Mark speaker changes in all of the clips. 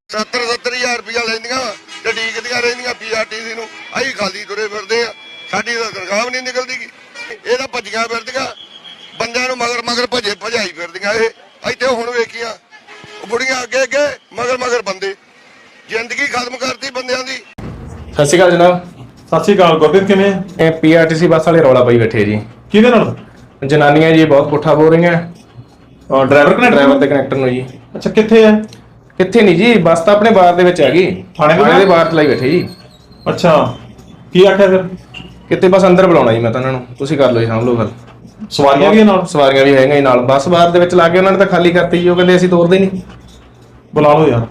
Speaker 1: 70-70 ਹਜ਼ਾਰ ਰੁਪਇਆ ਲੈਂਦੀਆਂ ਤੇ ਡੀਕਦੀਆਂ ਰਹਿੰਦੀਆਂ ਪੀਆਰਟੀਸੀ ਨੂੰ। ਅਸੀਂ ਖਾਲੀ ਤੁਰੇ ਫਿਰਦੇ ਆ, ਸਾਡੀ ਤਾਂ ਤਨਖਾਹ ਵੀ ਨਹੀਂ ਨਿਕਲਦੀ। ਇਹ ਤਾਂ ਭੱਜੀਆਂ ਫਿਰਦੀਆਂ, ਬੰਦਿਆਂ ਨੂੰ ਮਗਰ ਮਗਰ ਭਜਾਈ ਫਿਰਦੀਆਂ। ਇਹ ਇੱਥੇ ਹੁਣ ਵੇਖੀਆਂ ਬੁੜੀਆਂ ਅੱਗੇ ਅੱਗੇ ਮਗਰ ਮਗਰ ਬੰਦੇ, ਜ਼ਿੰਦਗੀ ਖਤਮ ਕਰਤੀ ਬੰਦਿਆਂ ਦੀ।
Speaker 2: ਸਤਿ ਸ਼੍ਰੀ ਅਕਾਲ ਜਨਾਬ।
Speaker 3: ਸਤਿ ਸ਼੍ਰੀ ਅਕਾਲ ਗੁਰਪ੍ਰੀਤ, ਕਿਵੇਂ?
Speaker 2: ਇਹ ਪੀਆਰਟੀਸੀ ਬੱਸ ਵਾਲੇ ਰੌਲਾ ਪਾਈ ਬੈਠੇ ਜੀ।
Speaker 3: ਕਿਹਦੇ ਨਾਲ?
Speaker 2: ਜਨਾਨੀਆਂ ਜੀ ਬਹੁਤ ਪੁੱਠਾ ਬੋਲ ਰਹੀਆਂ
Speaker 3: ਡਰਾਈਵਰ
Speaker 2: ਤੇ ਕਨੈਕਟਰ ਨੂੰ ਜੀ।
Speaker 3: ਅੱਛਾ, ਕਿੱਥੇ ਹੈ?
Speaker 2: ਕਿੱਥੇ ਨਹੀਂ ਜੀ, ਬੱਸ ਤਾਂ ਆਪਣੇ ਬਾਰ ਦੇ ਵਿੱਚ ਹੈਗੀ, ਥਾਣੇ ਦੇ ਬਾਹਰ ਚਲਾਈ ਬੈਠੇ ਜੀ।
Speaker 3: ਅੱਛਾ, ਕੀ ਆਖਿਆ ਫਿਰ?
Speaker 2: ਕਿਤੇ ਬਸ ਅੰਦਰ ਬੁਲਾਉਣਾ ਜੀ ਮੈਂ ਤਾਂ ਉਹਨਾਂ ਨੂੰ, ਤੁਸੀਂ ਕਰ ਲਓ ਜੀ, ਸਾਂਭ ਲਓ ਗੱਲ।
Speaker 3: ਸਵਾਰੀਆਂ ਵੀ ਨਾਲ?
Speaker 2: ਸਵਾਰੀਆਂ ਵੀ ਹੈਗੀਆਂ ਜੀ ਨਾਲ। ਬੱਸ ਬਾਹਰ ਦੇ ਵਿੱਚ ਲਾ ਕੇ ਉਹਨਾਂ ਨੇ ਤਾਂ ਖਾਲੀ ਕਰਤੀ ਜੀ। ਉਹ ਕਹਿੰਦੇ ਅਸੀਂ ਤੋਰਦੇ ਨਹੀਂ।
Speaker 3: ਬੁਲਾ ਲਓ ਯਾਰ,